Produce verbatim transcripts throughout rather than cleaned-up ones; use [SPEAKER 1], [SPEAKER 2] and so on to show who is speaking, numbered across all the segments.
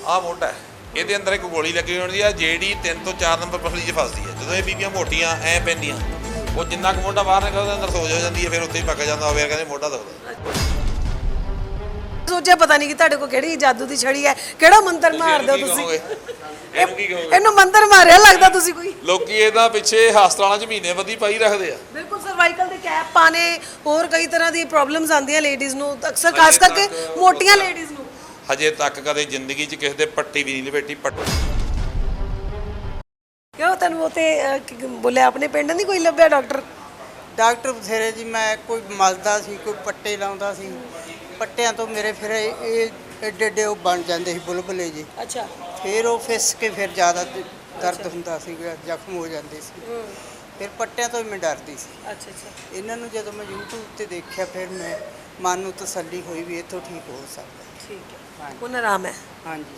[SPEAKER 1] ਆਹ ਮੋਢਾ ਹੈ, ਇਹਦੇ ਅੰਦਰ ਇੱਕ ਗੋਲੀ ਲੱਗੀ ਹੁੰਦੀ ਆ ਜਿਹੜੀ ਤਿੰਨ ਤੋਂ ਚਾਰ ਨੰਬਰ ਪਸਲੀ 'ਚ ਫਸਦੀ ਹੈ। ਜਦੋਂ ਇਹ ਬੀਬੀਆਂ ਮੋਟੀਆਂ ਐ ਪੈਂਦੀਆਂ, ਉਹ ਜਿੰਨਾ ਕੁ ਮੋਢਾ ਬਾਹਰ ਨਿਕਲਦਾ ਅੰਦਰ ਸੋਜ ਹੋ ਜਾਂਦੀ ਹੈ, ਫਿਰ ਉੱਥੇ ਹੀ ਪੱਕ ਜਾਂਦਾ ਹੋਵੇ, ਕਹਿੰਦੇ ਮੋਢਾ ਦੁਖਦਾ।
[SPEAKER 2] ਸੋਚਿਆ ਪਤਾ ਨਹੀਂ ਕਿ ਤੁਹਾਡੇ ਕੋਲ ਕਿਹੜੀ ਜਾਦੂ ਦੀ ਛੜੀ ਹੈ, ਕਿਹੜਾ ਮੰਤਰ ਮਾਰਦੇ ਹੋ ਤੁਸੀਂ?
[SPEAKER 1] ਇਹਨੂੰ ਕੀ ਕਹੋਗੇ?
[SPEAKER 2] ਇਹਨੂੰ ਮੰਤਰ ਮਾਰਿਆ ਲੱਗਦਾ ਤੁਸੀਂ ਕੋਈ।
[SPEAKER 1] ਲੋਕੀ ਇਹਦਾ ਪਿੱਛੇ ਹਸਪਤਾਲਾਂ 'ਚ ਮਹੀਨੇ ਬੱਧੀ ਪਾਈ ਰੱਖਦੇ ਆ।
[SPEAKER 2] ਬਿਲਕੁਲ ਸਰਵਾਈਕਲ ਦੇ ਕੈਪ ਪਾਣੇ, ਹੋਰ ਕਈ ਤਰ੍ਹਾਂ ਦੀ ਪ੍ਰੋਬਲਮਸ ਆਉਂਦੀਆਂ ਲੇਡੀਜ਼ ਨੂੰ, ਅਕਸਰ ਖਾਸ ਕਰਕੇ ਮੋਟੀਆਂ ਲੇਡੀਜ਼ ਨੂੰ।
[SPEAKER 1] ਹਜੇ ਤੱਕ ਕਦੇ ਜ਼ਿੰਦਗੀ 'ਚ ਕਿਸੇ ਦੇ ਪੱਟੀ ਵੀ ਨਹੀਂ ਲਪੇਟੀ। ਪੱਟੀ
[SPEAKER 2] ਕਿਉਂ ਤੈਨੂੰ ਉਹ ਤੇ ਬੋਲਿਆ ਆਪਣੇ ਪਿੰਡ ਨਹੀਂ ਕੋਈ ਲੱਭਿਆ ਡਾਕਟਰ?
[SPEAKER 3] ਡਾਕਟਰ ਬਥੇਰੇ ਜੀ, ਮੈਂ ਕੋਈ ਮਲਦਾ ਸੀ, ਕੋਈ ਪੱਟੇ ਲਾਉਂਦਾ ਸੀ, ਪੱਟਿਆਂ ਤੋਂ ਮੇਰੇ ਫਿਰ ਇਹ ਏਡੇ ਏਡੇ ਉਹ ਬਣ ਜਾਂਦੇ ਸੀ ਬੁਲਬੁਲੇ ਜੀ।
[SPEAKER 2] ਅੱਛਾ।
[SPEAKER 3] ਫਿਰ ਉਹ ਫਿਸ ਕੇ ਫਿਰ ਜ਼ਿਆਦਾ ਦਰਦ ਹੁੰਦਾ ਸੀ, ਜ਼ਖਮ ਹੋ ਜਾਂਦੇ ਸੀ। ਫਿਰ ਪੱਟਿਆਂ ਤੋਂ ਹੀ ਮੈਂ ਡਰਦੀ ਸੀ।
[SPEAKER 2] ਅੱਛਾ ਅੱਛਾ।
[SPEAKER 3] ਇਹਨਾਂ ਨੂੰ ਜਦੋਂ ਮੈਂ YouTube ਤੇ ਦੇਖਿਆ, ਫਿਰ ਮੈਂ ਮਨ ਨੂੰ ਤਸੱਲੀ ਹੋਈ ਵੀ ਇੱਥੋਂ ਠੀਕ ਹੋ ਸਕਦਾ।
[SPEAKER 2] ਠੀਕ ਹੈ, ਹੁਣ ਆਰਾਮ ਹੈ।
[SPEAKER 3] ਹਾਂਜੀ।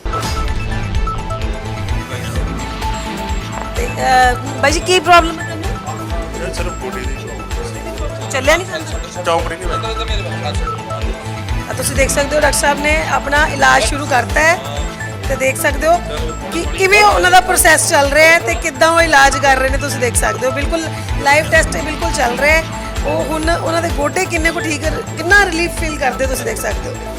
[SPEAKER 2] ਤੇ ਬਾਈ ਜੀ ਕੀ ਪ੍ਰੋਬਲਮ ਹੈ ਤੁਹਾਨੂੰ?
[SPEAKER 4] ਸਿਰਫ ਬੋਡੀ ਦੀ ਪ੍ਰੋਬਲਮ,
[SPEAKER 2] ਚੱਲਿਆ ਨਹੀਂ ਜਾਂਦਾ,
[SPEAKER 4] ਚੌਂਕੜੀ ਨਹੀਂ
[SPEAKER 2] ਆ ਤੁਸੀਂ ਦੇਖ ਸਕਦੇ ਹੋ ਡਾਕਟਰ ਸਾਹਿਬ ਨੇ ਆਪਣਾ ਇਲਾਜ ਸ਼ੁਰੂ ਕਰਤਾ ਹੈ ਤੇ ਦੇਖ ਸਕਦੇ ਹੋ ਕਿ ਕਿਵੇਂ ਉਹਨਾਂ ਦਾ ਪ੍ਰੋਸੈਸ ਚੱਲ ਰਿਹਾ ਹੈ ਤੇ ਕਿੱਦਾਂ ਉਹ ਇਲਾਜ ਕਰ ਰਹੇ ਨੇ। ਤੁਸੀਂ ਦੇਖ ਸਕਦੇ ਹੋ ਬਿਲਕੁਲ ਲਾਈਵ ਟੈਸਟ ਬਿਲਕੁਲ ਚੱਲ ਰਿਹਾ ਹੈ। ਉਹ ਹੁਣ ਉਹਨਾਂ ਦੇ ਗੋਡੇ ਕਿੰਨੇ ਕੁ ਠੀਕ, ਕਿੰਨਾ ਰਿਲੀਫ ਫੀਲ ਕਰਦੇ ਤੁਸੀਂ ਦੇਖ ਸਕਦੇ ਹੋ।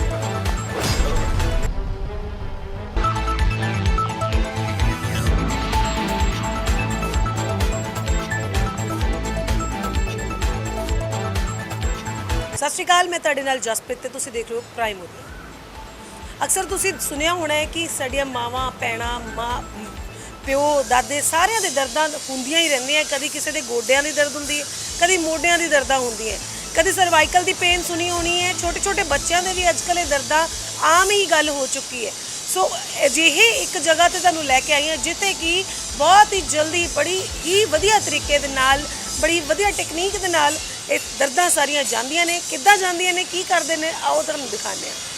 [SPEAKER 2] ਸਤਿ ਸ਼੍ਰੀ ਅਕਾਲ, ਮੈਂ ਤੁਹਾਡੇ ਨਾਲ ਜਸਪ੍ਰੀਤ ਤੇ ਤੁਸੀਂ ਦੇਖ ਰਹੇ ਹੋ ਪ੍ਰਾਈਮ ਉਦਯੋਗ। ਅਕਸਰ ਤੁਸੀਂ ਸੁਣਿਆ ਹੋਣਾ ਹੈ ਕਿ ਸਾਡੀਆਂ ਮਾਵਾਂ ਭੈਣਾਂ ਮਾਂ ਪਿਓ ਦਾਦੇ ਸਾਰਿਆਂ ਦੇ ਦਰਦਾਂ ਹੁੰਦੀਆਂ ਹੀ ਰਹਿੰਦੀਆਂ। ਕਦੀ ਕਿਸੇ ਦੇ ਗੋਡਿਆਂ ਦੀ ਦਰਦ ਹੁੰਦੀ ਹੈ, ਕਦੀ ਮੋਢਿਆਂ ਦੀ ਦਰਦਾਂ ਹੁੰਦੀਆਂ, ਕਦੀ ਸਰਵਾਈਕਲ ਦੀ ਪੇਨ ਸੁਣੀ ਹੋਣੀ ਹੈ। ਛੋਟੇ ਛੋਟੇ ਬੱਚਿਆਂ ਦੇ ਵੀ ਅੱਜ ਕੱਲ੍ਹ ਇਹ ਦਰਦਾਂ ਆਮ ਹੀ ਗੱਲ ਹੋ ਚੁੱਕੀ ਹੈ। ਸੋ ਅਜਿਹੇ ਇੱਕ ਜਗ੍ਹਾ ਤੇ ਤੁਹਾਨੂੰ ਲੈ ਕੇ ਆਈ ਹਾਂ ਜਿੱਥੇ ਕਿ ਬਹੁਤ ਹੀ ਜਲਦੀ ਬੜੀ ਹੀ ਵਧੀਆ ਤਰੀਕੇ ਦੇ ਨਾਲ, ਬੜੀ ਵਧੀਆ ਟੈਕਨੀਕ ਦੇ ਨਾਲ ਇਹ ਦਰਦਾਂ ਸਾਰੀਆਂ ਜਾਂਦੀਆਂ ਨੇ। ਕਿੱਦਾਂ ਜਾਂਦੀਆਂ ਨੇ, ਕੀ ਕਰਦੇ ਨੇ, ਆਓ ਤੁਹਾਨੂੰ ਦਿਖਾਉਂਦੇ ਹਾਂ।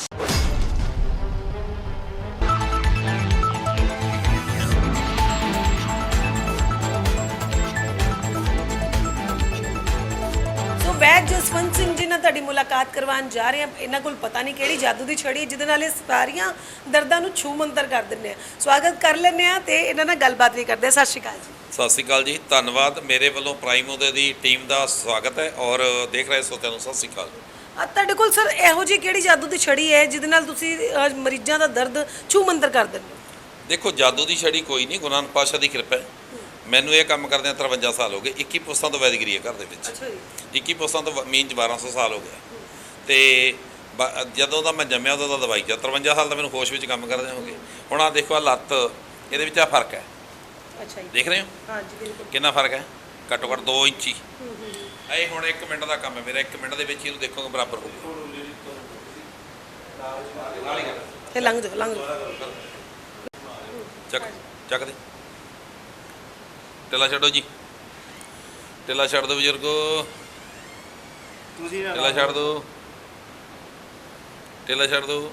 [SPEAKER 2] ਸੋ ਵੈਦ ਜਸਵੰਤ ਸਿੰਘ ਜੀ ਨਾਲ ਤੁਹਾਡੀ ਮੁਲਾਕਾਤ ਕਰਵਾਉਣ ਜਾ ਰਹੇ ਹਾਂ। ਇਹਨਾਂ ਕੋਲ ਪਤਾ ਨਹੀਂ ਕਿਹੜੀ ਜਾਦੂ ਦੀ ਛੜੀ ਹੈ ਜਿਹਦੇ ਨਾਲ ਇਹ ਸਾਰੀਆਂ ਦਰਦਾਂ ਨੂੰ ਛੂ ਮੰਤਰ ਕਰ ਦਿੰਦੇ ਆ। ਸਵਾਗਤ ਕਰ ਲੈਂਦੇ ਆ ਤੇ ਇਹਨਾਂ ਨਾਲ ਗੱਲਬਾਤ ਵੀ ਕਰਦੇ ਆ। ਸਤਿ ਸ਼੍ਰੀ ਅਕਾਲ ਜੀ।
[SPEAKER 1] ਸਤਿ ਸ਼੍ਰੀ ਅਕਾਲ ਜੀ, ਧੰਨਵਾਦ। ਮੇਰੇ ਵੱਲੋਂ ਪ੍ਰਾਈਮ ਉਦੇ ਦੀ ਟੀਮ ਦਾ ਸਵਾਗਤ ਹੈ ਔਰ ਦੇਖ ਰਹੇ ਸੋਤਿਆਂ ਨੂੰ ਸਤਿ ਸ਼੍ਰੀ ਅਕਾਲ।
[SPEAKER 2] ਤੁਹਾਡੇ ਕੋਲ ਸਰ ਇਹੋ ਜਿਹੀ ਕਿਹੜੀ ਜਾਦੂ ਦੀ ਛੜੀ ਹੈ ਜਿਹਦੇ ਨਾਲ ਤੁਸੀਂ ਮਰੀਜ਼ਾਂ ਦਾ ਦਰਦ ਛੂ ਮੰਤਰ ਕਰ ਦਿੰਦੇ ਹੋ?
[SPEAKER 1] ਦੇਖੋ, ਜਾਦੂ ਦੀ ਛੜੀ ਕੋਈ ਨਹੀਂ, ਗੁਰੂ ਨਾਨਕ ਪਾਤਸ਼ਾਹ ਦੀ ਕਿਰਪਾ ਹੈ। ਮੈਨੂੰ ਇਹ ਕੰਮ ਕਰਦਿਆਂ ਤਰਵੰਜਾ ਸਾਲ ਹੋ ਗਏ। ਇੱਕੀ ਪੁਸਤਾਂ ਤੋਂ ਵੈਦਗਰੀ ਹੈ ਘਰ ਦੇ ਵਿੱਚ।
[SPEAKER 2] ਅੱਛਾ ਜੀ।
[SPEAKER 1] ਇੱਕੀ ਪੁਸਤਾਂ ਤੋਂ ਮੀਨ 'ਚ ਬਾਰਾਂ ਸੌ ਸਾਲ ਹੋ ਗਿਆ। ਤੇ ਜਦੋਂ ਦਾ ਮੈਂ ਜੰਮਿਆ ਉਦੋਂ ਦਾ ਦਵਾਈ 'ਚ ਤਰਵੰਜਾ ਸਾਲ ਦਾ ਮੈਨੂੰ ਹੋਸ਼ ਵਿੱਚ ਕੰਮ ਕਰਦੇ ਹੋ ਗਏ। ਹੁਣ ਆਹ ਦੇਖੋ, ਆਹ ਲੱਤ, ਇਹਦੇ ਵਿੱਚ ਆ ਫਰਕ ਹੈ।
[SPEAKER 2] ਅੱਛਾ ਜੀ।
[SPEAKER 1] ਦੇਖ ਰਹੇ ਹੋ?
[SPEAKER 2] ਹਾਂਜੀ ਬਿਲਕੁਲ।
[SPEAKER 1] ਕਿੰਨਾ ਫਰਕ ਹੈ? ਘੱਟੋ ਘੱਟ ਦੋ ਇੰਚੀ। ਇਹ ਹੁਣ ਇੱਕ ਮਿੰਟ ਦਾ ਕੰਮ ਹੈ ਮੇਰਾ। ਇੱਕ ਮਿੰਟ ਦੇ ਵਿੱਚ ਇਹਨੂੰ ਦੇਖੋਗੇ ਬਰਾਬਰ ਹੋ ਜਾਊਗਾ।
[SPEAKER 2] ਇਹ ਲੰਘ ਜਾਓ, ਲੰਘ ਜਾਓ।
[SPEAKER 1] ਚੱਕ ਚੱਕ ਦੇ। ਟਿੱਲਾ ਛੱਡੋ ਜੀ, ਟਿੱਲਾ ਛੱਡ ਦਿਓ ਬਜ਼ੁਰਗੋ, ਟਿੱਲਾ ਛੱਡ ਦਿਓ, ਟਿੱਲਾ ਛੱਡ ਦਿਓ।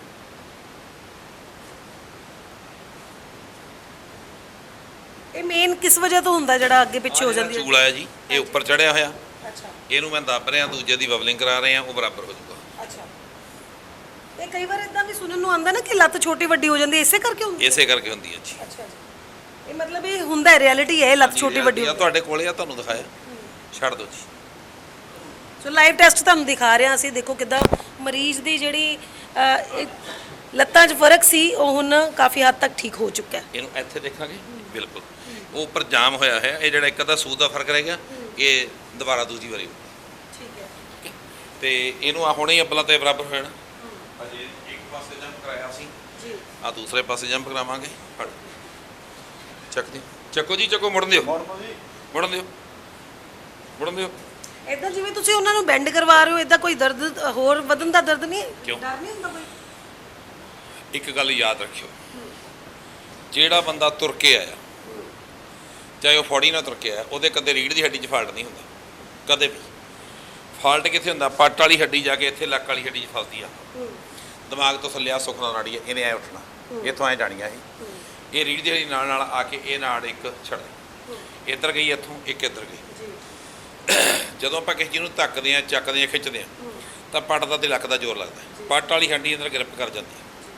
[SPEAKER 2] ਇਹ ਮੇਨ ਕਿਸ ਵਜ੍ਹਾ ਤੋਂ ਹੁੰਦਾ ਜਿਹੜਾ ਅੱਗੇ ਪਿੱਛੇ ਹੋ ਜਾਂਦੀ ਹੈ?
[SPEAKER 1] ਚੂਲ ਆਇਆ ਜੀ, ਇਹ ਉੱਪਰ ਚੜਿਆ ਹੋਇਆ।
[SPEAKER 2] ਅੱਛਾ।
[SPEAKER 1] ਇਹਨੂੰ ਮੈਂ ਦੱਬ ਰਿਹਾ, ਦੂਜੇ ਦੀ ਬਬਲਿੰਗ ਕਰਾ ਰਹੇ ਆ, ਉਹ ਬਰਾਬਰ ਹੋ ਜਾਊਗਾ।
[SPEAKER 2] ਅੱਛਾ। ਤੇ ਕਈ ਵਾਰ ਇਦਾਂ ਵੀ ਸੁਣਨ ਨੂੰ ਆਉਂਦਾ ਨਾ ਕਿ ਲੱਤ ਛੋਟੀ ਵੱਡੀ ਹੋ ਜਾਂਦੀ ਹੈ, ਇਸੇ ਕਰਕੇ ਹੁੰਦੀ ਹੈ?
[SPEAKER 1] ਇਸੇ ਕਰਕੇ ਹੁੰਦੀ ਹੈ ਜੀ।
[SPEAKER 2] ਅੱਛਾ ਜੀ। ਇਹ ਮਤਲਬ ਇਹ ਹੁੰਦਾ ਹੈ, ਰਿਐਲਿਟੀ ਹੈ, ਲੱਤ ਛੋਟੀ ਵੱਡੀ
[SPEAKER 1] ਆ ਤੁਹਾਡੇ ਕੋਲੇ ਆ, ਤੁਹਾਨੂੰ ਦਿਖਾਇਆ। ਛੱਡ ਦਿਓ ਜੀ।
[SPEAKER 2] ਸੋ ਲਾਈਵ ਟੈਸਟ ਤੁਹਾਨੂੰ ਦਿਖਾ ਰਹੇ ਹਾਂ ਅਸੀਂ। ਦੇਖੋ ਕਿੱਦਾਂ ਮਰੀਜ਼ ਦੀ ਜਿਹੜੀ ਲੱਤਾਂ 'ਚ ਫਰਕ ਸੀ ਉਹ ਹੁਣ ਕਾਫੀ ਹੱਦ ਤੱਕ ਠੀਕ ਹੋ ਚੁੱਕਾ ਹੈ।
[SPEAKER 1] ਇਹਨੂੰ ਇੱਥੇ ਦੇਖਾਂਗੇ, ਬਿਲਕੁਲ ਉਹ ਉੱਪਰ ਜਾਮ ਹੋਇਆ ਹੈ। ਇਹ ਜਿਹੜਾ ਇੱਕ ਅੱਧਾ ਸੂਦ ਦਾ ਫਰਕ ਰਹਿ ਗਿਆ, ਇਹ ਦੁਬਾਰਾ ਦੂਜੀ ਵਾਰੀ
[SPEAKER 2] ਠੀਕ ਹੈ।
[SPEAKER 1] ਤੇ ਇਹਨੂੰ ਆ ਹੁਣੇ ਹੀ ਅੱਬਲਾਂ ਤੇ ਬਰਾਬਰ ਹੋ ਜਾਣਾ। ਅਜੇ ਇੱਕ ਪਾਸੇ ਜੰਪ ਕਰਾਇਆ ਸੀ
[SPEAKER 2] ਜੀ,
[SPEAKER 1] ਆ ਦੂਸਰੇ ਪਾਸੇ ਜੰਪ ਕਰਾਵਾਂਗੇ। ਫੜ ਚੱਕ ਦਿਓ, ਚੱਕੋ ਜੀ, ਚੱਕੋ। ਮੁੜਨ ਦਿਓ, ਮੁੜਨ ਦਿਓ, ਮੁੜਨ ਦਿਓ।
[SPEAKER 2] ਇਦਾਂ ਜਿਵੇਂ ਤੁਸੀਂ ਉਹਨਾਂ ਨੂੰ ਬੈਂਡ ਕਰਵਾ ਰਹੇ ਹੋ, ਇਦਾਂ ਕੋਈ ਦਰਦ ਹੋਰ ਵਧਣ ਦਾ ਦਰਦ ਨਹੀਂ?
[SPEAKER 1] ਕਿਉਂ?
[SPEAKER 2] ਡਰ ਨਹੀਂ ਹੁੰਦਾ ਕੋਈ?
[SPEAKER 1] ਇੱਕ ਗੱਲ ਯਾਦ ਰੱਖਿਓ, ਜਿਹੜਾ ਬੰਦਾ ਤੁਰ ਕੇ ਆਇਆ, ਚਾਹੇ ਉਹ ਫੌੜੀ ਨਾਲ ਤੁਰ ਕੇ ਆਇਆ, ਉਹਦੇ ਕਦੇ ਰੀੜ੍ਹ ਦੀ ਹੱਡੀ 'ਚ ਫਾਲਟ ਨਹੀਂ ਹੁੰਦਾ ਕਦੇ ਵੀ। ਫਾਲਟ ਕਿੱਥੇ ਹੁੰਦਾ? ਪੱਟ ਵਾਲੀ ਹੱਡੀ ਜਾ ਕੇ ਇੱਥੇ ਲੱਕ ਵਾਲੀ ਹੱਡੀ 'ਚ ਫਸਦੀ ਆ। ਦਿਮਾਗ ਤੋਂ ਥੱਲੇ ਆ ਸੁਖਨਾ ਨਾੜੀ ਹੈ, ਇਹਨੇ ਐ ਉੱਠਣਾ, ਇੱਥੋਂ ਐ ਜਾਣੀ ਆ। ਇਹ ਇਹ ਰੀੜ੍ਹ ਦੀ ਹੱਡੀ ਨਾਲ ਨਾਲ ਆ ਕੇ ਇਹ ਨਾੜ ਇੱਕ ਛੱਡ, ਇੱਧਰ ਗਈ, ਇੱਥੋਂ ਇੱਕ ਇੱਧਰ ਗਈ। ਜਦੋਂ ਆਪਾਂ ਕਿਸੇ ਚੀਜ਼ ਨੂੰ ਧੱਕਦੇ ਹਾਂ, ਚੱਕਦੇ ਹਾਂ, ਖਿੱਚਦੇ ਹਾਂ ਤਾਂ ਪੱਟ ਦਾ ਤੇ ਲੱਕ ਦਾ ਜ਼ੋਰ ਲੱਗਦਾ। ਪੱਟ ਵਾਲੀ ਹੱਡੀ ਅੰਦਰ ਗ੍ਰਿਪ ਕਰ ਜਾਂਦੀ ਹੈ।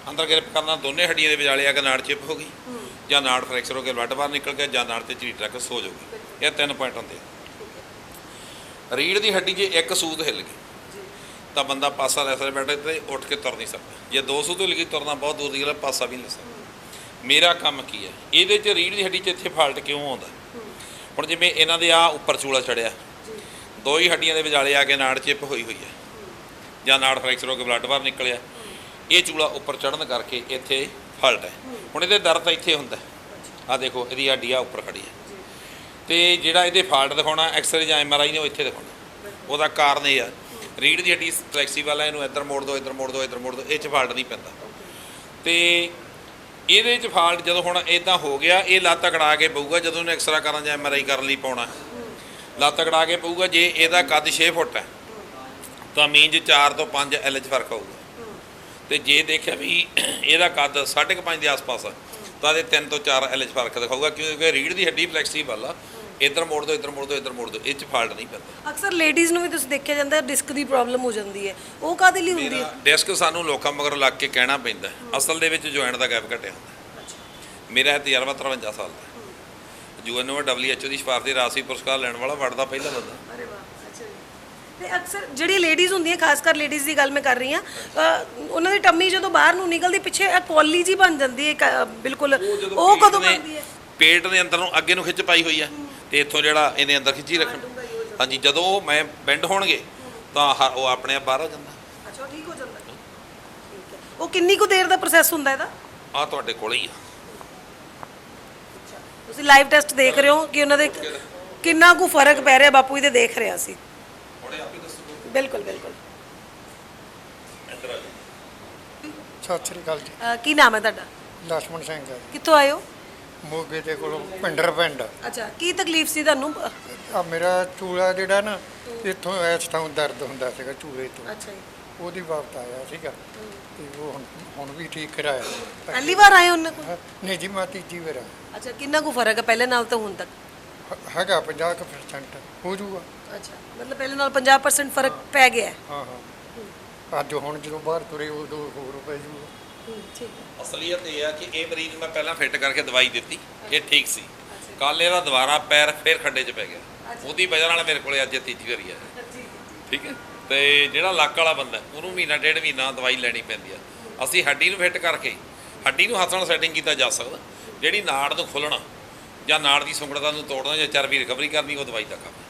[SPEAKER 1] ਅੰਦਰ ਗ੍ਰਿਪ ਕਰਨਾ, ਦੋਨੇ ਹੱਡੀਆਂ ਦੇ ਵਿਚਾਲੇ ਆ ਕੇ ਨਾੜ ਚਿਪ ਹੋ ਗਈ ਜਾਂ ਨਾੜ ਫ੍ਰੈਕਚਰ ਹੋ ਕੇ ਬਲੱਡ ਬਾਹਰ ਨਿਕਲ ਗਿਆ ਜਾਂ ਨਾੜ ਤੇ ਝਰੀਟ ਰੱਖ ਸੋ ਜਾਊਗੀ। ਇਹ ਤਿੰਨ ਪੁਆਇੰਟ ਹੁੰਦੇ ਆ। ਰੀੜ੍ਹ ਦੀ ਹੱਡੀ ਜੇ ਇੱਕ ਸੂਤ ਹਿੱਲ ਗਈ ਤਾਂ ਬੰਦਾ ਪਾਸਾ ਲੈ ਸਕਦਾ, ਬੈਠੇ ਤੇ ਉੱਠ ਕੇ ਤੁਰ ਨਹੀਂ ਸਕਦਾ। ਜੇ ਦੋ ਸੂਤ ਹਿੱਲ ਗਈ ਤੁਰਨਾ ਬਹੁਤ ਦੂਰ ਦੀ ਗੱਲ, ਪਾਸਾ ਵੀ ਨਹੀਂ ਲੈ ਸਕਦਾ। ਮੇਰਾ ਕੰਮ ਕੀ ਹੈ ਇਹਦੇ 'ਚ, ਰੀੜ੍ਹ ਦੀ ਹੱਡੀ 'ਚ ਇੱਥੇ ਫਾਲਟ ਕਿਉਂ ਆਉਂਦਾ? ਹੁਣ ਜਿਵੇਂ ਇਹਨਾਂ ਦੇ ਆ ਉੱਪਰ ਚੂਲਾ ਚੜਿਆ, ਦੋ ਹੀ ਹੱਡੀਆਂ ਦੇ ਵਿਚਾਲੇ ਆ ਕੇ ਨਾੜ ਚਿਪ ਹੋਈ ਹੋਈ ਹੈ ਜਾਂ ਨਾੜ ਫ੍ਰੈਕਚਰ ਹੋ ਕੇ ਬਲੱਡ ਬਾਹਰ ਨਿਕਲਿਆ, ਇਹ ਚੂਲਾ ਉੱਪਰ ਚੜ੍ਹਨ ਕਰਕੇ ਇੱਥੇ ਫਾਲਟ ਹੈ। ਹੁਣ ਇਹਦੇ ਦਰਦ ਤਾਂ ਇੱਥੇ ਹੁੰਦਾ, ਆ ਦੇਖੋ ਇਹਦੀ ਹੱਡੀ ਆ ਉੱਪਰ ਖੜੀ ਹੈ, ਤੇ ਜਿਹੜਾ ਇਹਦੇ ਫਾਲਟ ਦਿਖਾਉਣਾ ਐਕਸਰੇ ਜਾਂ ਐਮ ਆਰ ਆਈ ਨੇ ਉਹ ਇੱਥੇ ਦਿਖਾਉਣਾ। ਉਹਦਾ ਕਾਰਨ ਇਹ ਆ ਰੀੜ੍ਹ ਦੀ ਹੱਡੀ ਫਲੈਕਸੀਬਲ ਹੈ, ਇਹਨੂੰ ਇੱਧਰ ਮੋੜ ਦਿਓ, ਇੱਧਰ ਮੋੜ ਦਿਓ, ਇੱਧਰ ਮੋੜ ਦਿਓ, ਇਹ 'ਚ ਫਾਲਟ ਨਹੀਂ ਪੈਂਦਾ। ਤੇ ਇਹਦੇ 'ਚ ਫਾਲਟ ਜਦੋਂ ਹੁਣ ਇੱਦਾਂ ਹੋ ਗਿਆ, ਇਹ ਲੱਤ ਅਕੜਾ ਕੇ ਪਊਗਾ ਜਦੋਂ ਇਹਨੂੰ ਐਕਸਰਾ ਕਰਨ ਜਾਂ ਐਮ ਆਰ ਆਈ ਕਰਨ ਲਈ ਪਾਉਣਾ, ਲੱਤ ਅਕੜਾ ਕੇ ਪਊਗਾ। ਜੇ ਇਹਦਾ ਕੱਦ ਛੇ ਫੁੱਟ ਹੈ ਤਾਂ ਮੀਨਜ਼ ਚਾਰ ਤੋਂ ਪੰਜ ਐਲ 'ਚ ਫਰਕ ਹੋਊਗਾ, ਤੇ ਜੇ ਦੇਖਿਆ ਵੀ ਇਹਦਾ ਕੱਦ ਸਾਢੇ ਕੁ ਪੰਜ ਦੇ ਆਸ-ਪਾਸ ਆ ਤਾਂ ਇਹਦੇ ਤਿੰਨ ਤੋਂ ਚਾਰ ਐਲ 'ਚ ਫਰਕ ਦਿਖਾਊਗਾ, ਕਿਉਂਕਿ ਰੀੜ੍ਹ ਦੀ ਹੱਡੀ ਫਲੈਕਸੀਬਲ ਆ। ਇੱਧਰ ਮੋੜ ਦਿਓ, ਇੱਧਰ ਮੋੜ ਦਿਓ, ਇੱਧਰ ਮੋੜ ਦਿਓ, ਇਹ 'ਚ ਫਾਲਟ ਨਹੀਂ ਪੈਂਦਾ।
[SPEAKER 2] ਅਕਸਰ ਲੇਡੀਜ਼ ਨੂੰ ਵੀ ਤੁਸੀਂ ਦੇਖਿਆ ਜਾਂਦਾ ਡਿਸਕ ਦੀ ਪ੍ਰੋਬਲਮ ਹੋ ਜਾਂਦੀ ਹੈ, ਉਹ ਕਾਹਦੇ ਲਈ ਹੁੰਦੀ ਹੈ?
[SPEAKER 1] ਡਿਸਕ ਸਾਨੂੰ ਲੋਕਾਂ ਮਗਰ ਲੱਗ ਕੇ ਕਹਿਣਾ ਪੈਂਦਾ, ਅਸਲ ਦੇ ਵਿੱਚ ਜੁਆਇੰਟ ਦਾ ਗੈਪ ਘਟਿਆ ਹੁੰਦਾ। ਮੇਰਾ ਇਹ ਤਜਰਬਾ ਤਰਵੰਜਾ ਸਾਲ ਦਾ, U N O W H O ਦੀ ਸਿਫਾਰਸ਼ੀ ਰਾਸ਼ਟਰੀ ਪੁਰਸਕਾਰ ਲੈਣ ਵਾਲਾ ਵੜਦਾ ਪਹਿਲਾ ਬੰਦਾ।
[SPEAKER 2] ਅਰੇ ਵਾਹ, ਅੱਛਾ ਜੀ। ਤੇ ਅਕਸਰ ਜਿਹੜੀ ਲੇਡੀਜ਼ ਹੁੰਦੀਆਂ, ਖਾਸ ਕਰ ਲੇਡੀਜ਼ ਦੀ ਗੱਲ ਮੈਂ ਕਰ ਰਹੀ ਹਾਂ, ਉਹਨਾਂ ਦੀ ਟੰਮੀ ਜਦੋਂ ਬਾਹਰ ਨੂੰ ਨਿਕਲਦੀ ਪਿੱਛੇ ਇਹ ਕੌਲੀ ਜੀ ਬਣ ਜਾਂਦੀ ਹੈ ਬਿਲਕੁਲ, ਉਹ ਕਦੋਂ ਬਣਦੀ ਹੈ?
[SPEAKER 1] ਪੇਟ ਦੇ ਅੰਦਰ ਨੂੰ ਅੱਗੇ ਨੂੰ ਖਿੱਚ ਪਾਈ ਹੋਈ ਆ, ਤੇ ਇੱਥੋਂ ਜਿਹੜਾ ਇਹਦੇ ਅੰਦਰ ਖਿੱਚੀ ਰੱਖਣ। ਹਾਂਜੀ, ਜਦੋਂ ਮੈਂ ਬੈਂਡ ਹੋਣਗੇ ਤਾਂ ਹ- ਉਹ ਆਪਣੇ ਆਪ ਬਾਹਰ ਆ ਜਾਂਦਾ।
[SPEAKER 2] ਅੱਛਾ, ਉਹ ਠੀਕ ਹੋ ਜਾਂਦਾ। ਠੀਕ ਹੈ। ਉਹ ਕਿੰਨੀ ਕੁ ਦੇਰ ਦਾ ਪ੍ਰੋਸੈਸ ਹੁੰਦਾ ਇਹਦਾ?
[SPEAKER 1] ਆ ਤੁਹਾਡੇ ਕੋਲ ਹੀ ਆ।
[SPEAKER 2] ਤੁਸੀਂ ਲਾਈਵ ਟੈਸਟ ਦੇਖ ਰਹੇ ਹੋ ਕਿ ਉਹਨਾਂ ਦੇ ਕਿੰਨਾ ਕੁ ਫਰਕ ਪੈ ਰਿਹਾ, ਬਾਪੂ ਜੀ ਦੇ ਦੇਖ ਰਿਹਾ ਸੀ।
[SPEAKER 1] ਹੁਣੇ ਆਪੇ ਦੱਸੋ।
[SPEAKER 2] ਬਿਲਕੁਲ ਬਿਲਕੁਲ।
[SPEAKER 1] ਇੱਧਰ ਆ ਜਾਓ।
[SPEAKER 4] ਸਤਿ ਸ੍ਰੀ ਅਕਾਲ ਜੀ।
[SPEAKER 2] ਅਹ ਕੀ ਨਾਮ ਹੈ ਤੁਹਾਡਾ?
[SPEAKER 4] ਲక్ష్మణ ਸਿੰਘ ਹੈ ਜੀ।
[SPEAKER 2] ਕਿੱਥੋਂ ਆਏ ਹੋ?
[SPEAKER 4] ਮੋਗੇ ਦੇ ਕੋਲੋਂ ਪਿੰਡਰ ਪਿੰਡ।
[SPEAKER 2] ਅੱਛਾ, ਕੀ ਤਕਲੀਫ ਸੀ ਤੁਹਾਨੂੰ?
[SPEAKER 4] ਆ ਮੇਰਾ ਚੂਲਾ ਜਿਹੜਾ ਨਾ ਇੱਥੋਂ ਇਸ ਥਾਂ ਦਰਦ ਹੁੰਦਾ ਸੀਗਾ ਚੂਲੇ ਤੋਂ,
[SPEAKER 2] ਅੱਛਾ ਜੀ।
[SPEAKER 4] ਉਹਦੀ ਬਾਬਤ ਆਇਆ ਸੀਗਾ ਤੇ ਉਹ ਹੁਣ ਹੁਣ ਵੀ ਠੀਕ ਕਰਾਇਆ।
[SPEAKER 2] ਪਹਿਲੀ ਵਾਰ ਆਏ ਹੋ ਉਹਨਾਂ ਕੋਲ?
[SPEAKER 4] ਨਹੀਂ ਜੀ, ਮੈਂ ਤੀਜੀ ਵਾਰ ਆਇਆ।
[SPEAKER 2] ਅੱਛਾ, ਕਿੰਨਾ ਕੁ ਫਰਕ ਹੈ ਪਹਿਲੇ ਨਾਲ ਤਾਂ ਹੁਣ ਤੱਕ?
[SPEAKER 4] ਹ- ਹੈਗਾ ਪੰਜਾਹ ਕੁ ਪਰਸੈਂਟ ਹੋ ਜੂਗਾ।
[SPEAKER 2] ਅੱਛਾ, ਮਤਲਬ ਪਹਿਲੇ ਨਾਲ ਪੰਜਾਹ ਪਰਸੈਂਟ ਫਰਕ ਪੈ ਗਿਆ ਹੈ।
[SPEAKER 4] ਹਾਂ ਹਾਂ, ਅੱਜ ਹੁਣ ਜਦੋਂ ਬਾਹਰ ਤੁਰੇ ਉਦੋਂ ਹੋਰ ਪੈ ਜੂਗਾ।
[SPEAKER 2] ਠੀਕ ਹੈ।
[SPEAKER 1] ਅਸਲੀਅਤ ਇਹ ਆ ਕਿ ਇਹ ਮਰੀਜ਼ ਨੂੰ ਮੈਂ ਪਹਿਲਾਂ ਫਿੱਟ ਕਰਕੇ ਦਵਾਈ ਦਿੱਤੀ, ਇਹ ਠੀਕ ਸੀ। ਕੱਲ ਇਹਦਾ ਦੁਬਾਰਾ ਪੈਰ ਫਿਰ ਖੱਡੇ 'ਚ ਪੈ ਗਿਆ, ਉਹਦੀ ਵਜ੍ਹਾ ਨਾਲ ਮੇਰੇ ਕੋਲੇ ਅੱਜ ਇਹ ਤੀਜੀ ਵਾਰੀ ਆਇਆ। ਠੀਕ ਹੈ। ਤੇ ਜਿਹੜਾ ਲੱਕ ਵਾਲਾ ਬੰਦਾ ਉਹਨੂੰ ਮਹੀਨਾ ਡੇਢ ਮਹੀਨਾ ਦਵਾਈ ਲੈਣੀ ਪੈਂਦੀ ਆ। ਅਸੀਂ ਹੱਡੀ ਨੂੰ ਫਿੱਟ ਕਰਕੇ, ਹੱਡੀ ਨੂੰ ਹੱਥ ਨਾਲ ਸੈਟਿੰਗ ਕੀਤਾ ਜਾ ਸਕਦਾ। ਜਿਹੜੀ ਨਾੜ ਨੂੰ ਖੋਲ੍ਹਣਾ ਜਾਂ ਨਾੜ ਦੀ ਸੁੰਗੜਤਾ ਨੂੰ ਤੋੜਨਾ ਜਾਂ ਚਰਬੀ ਰਿਕਵਰੀ ਕਰਨੀ, ਉਹ ਦਵਾਈ ਦਾ ਕੰਮ ਹੈ।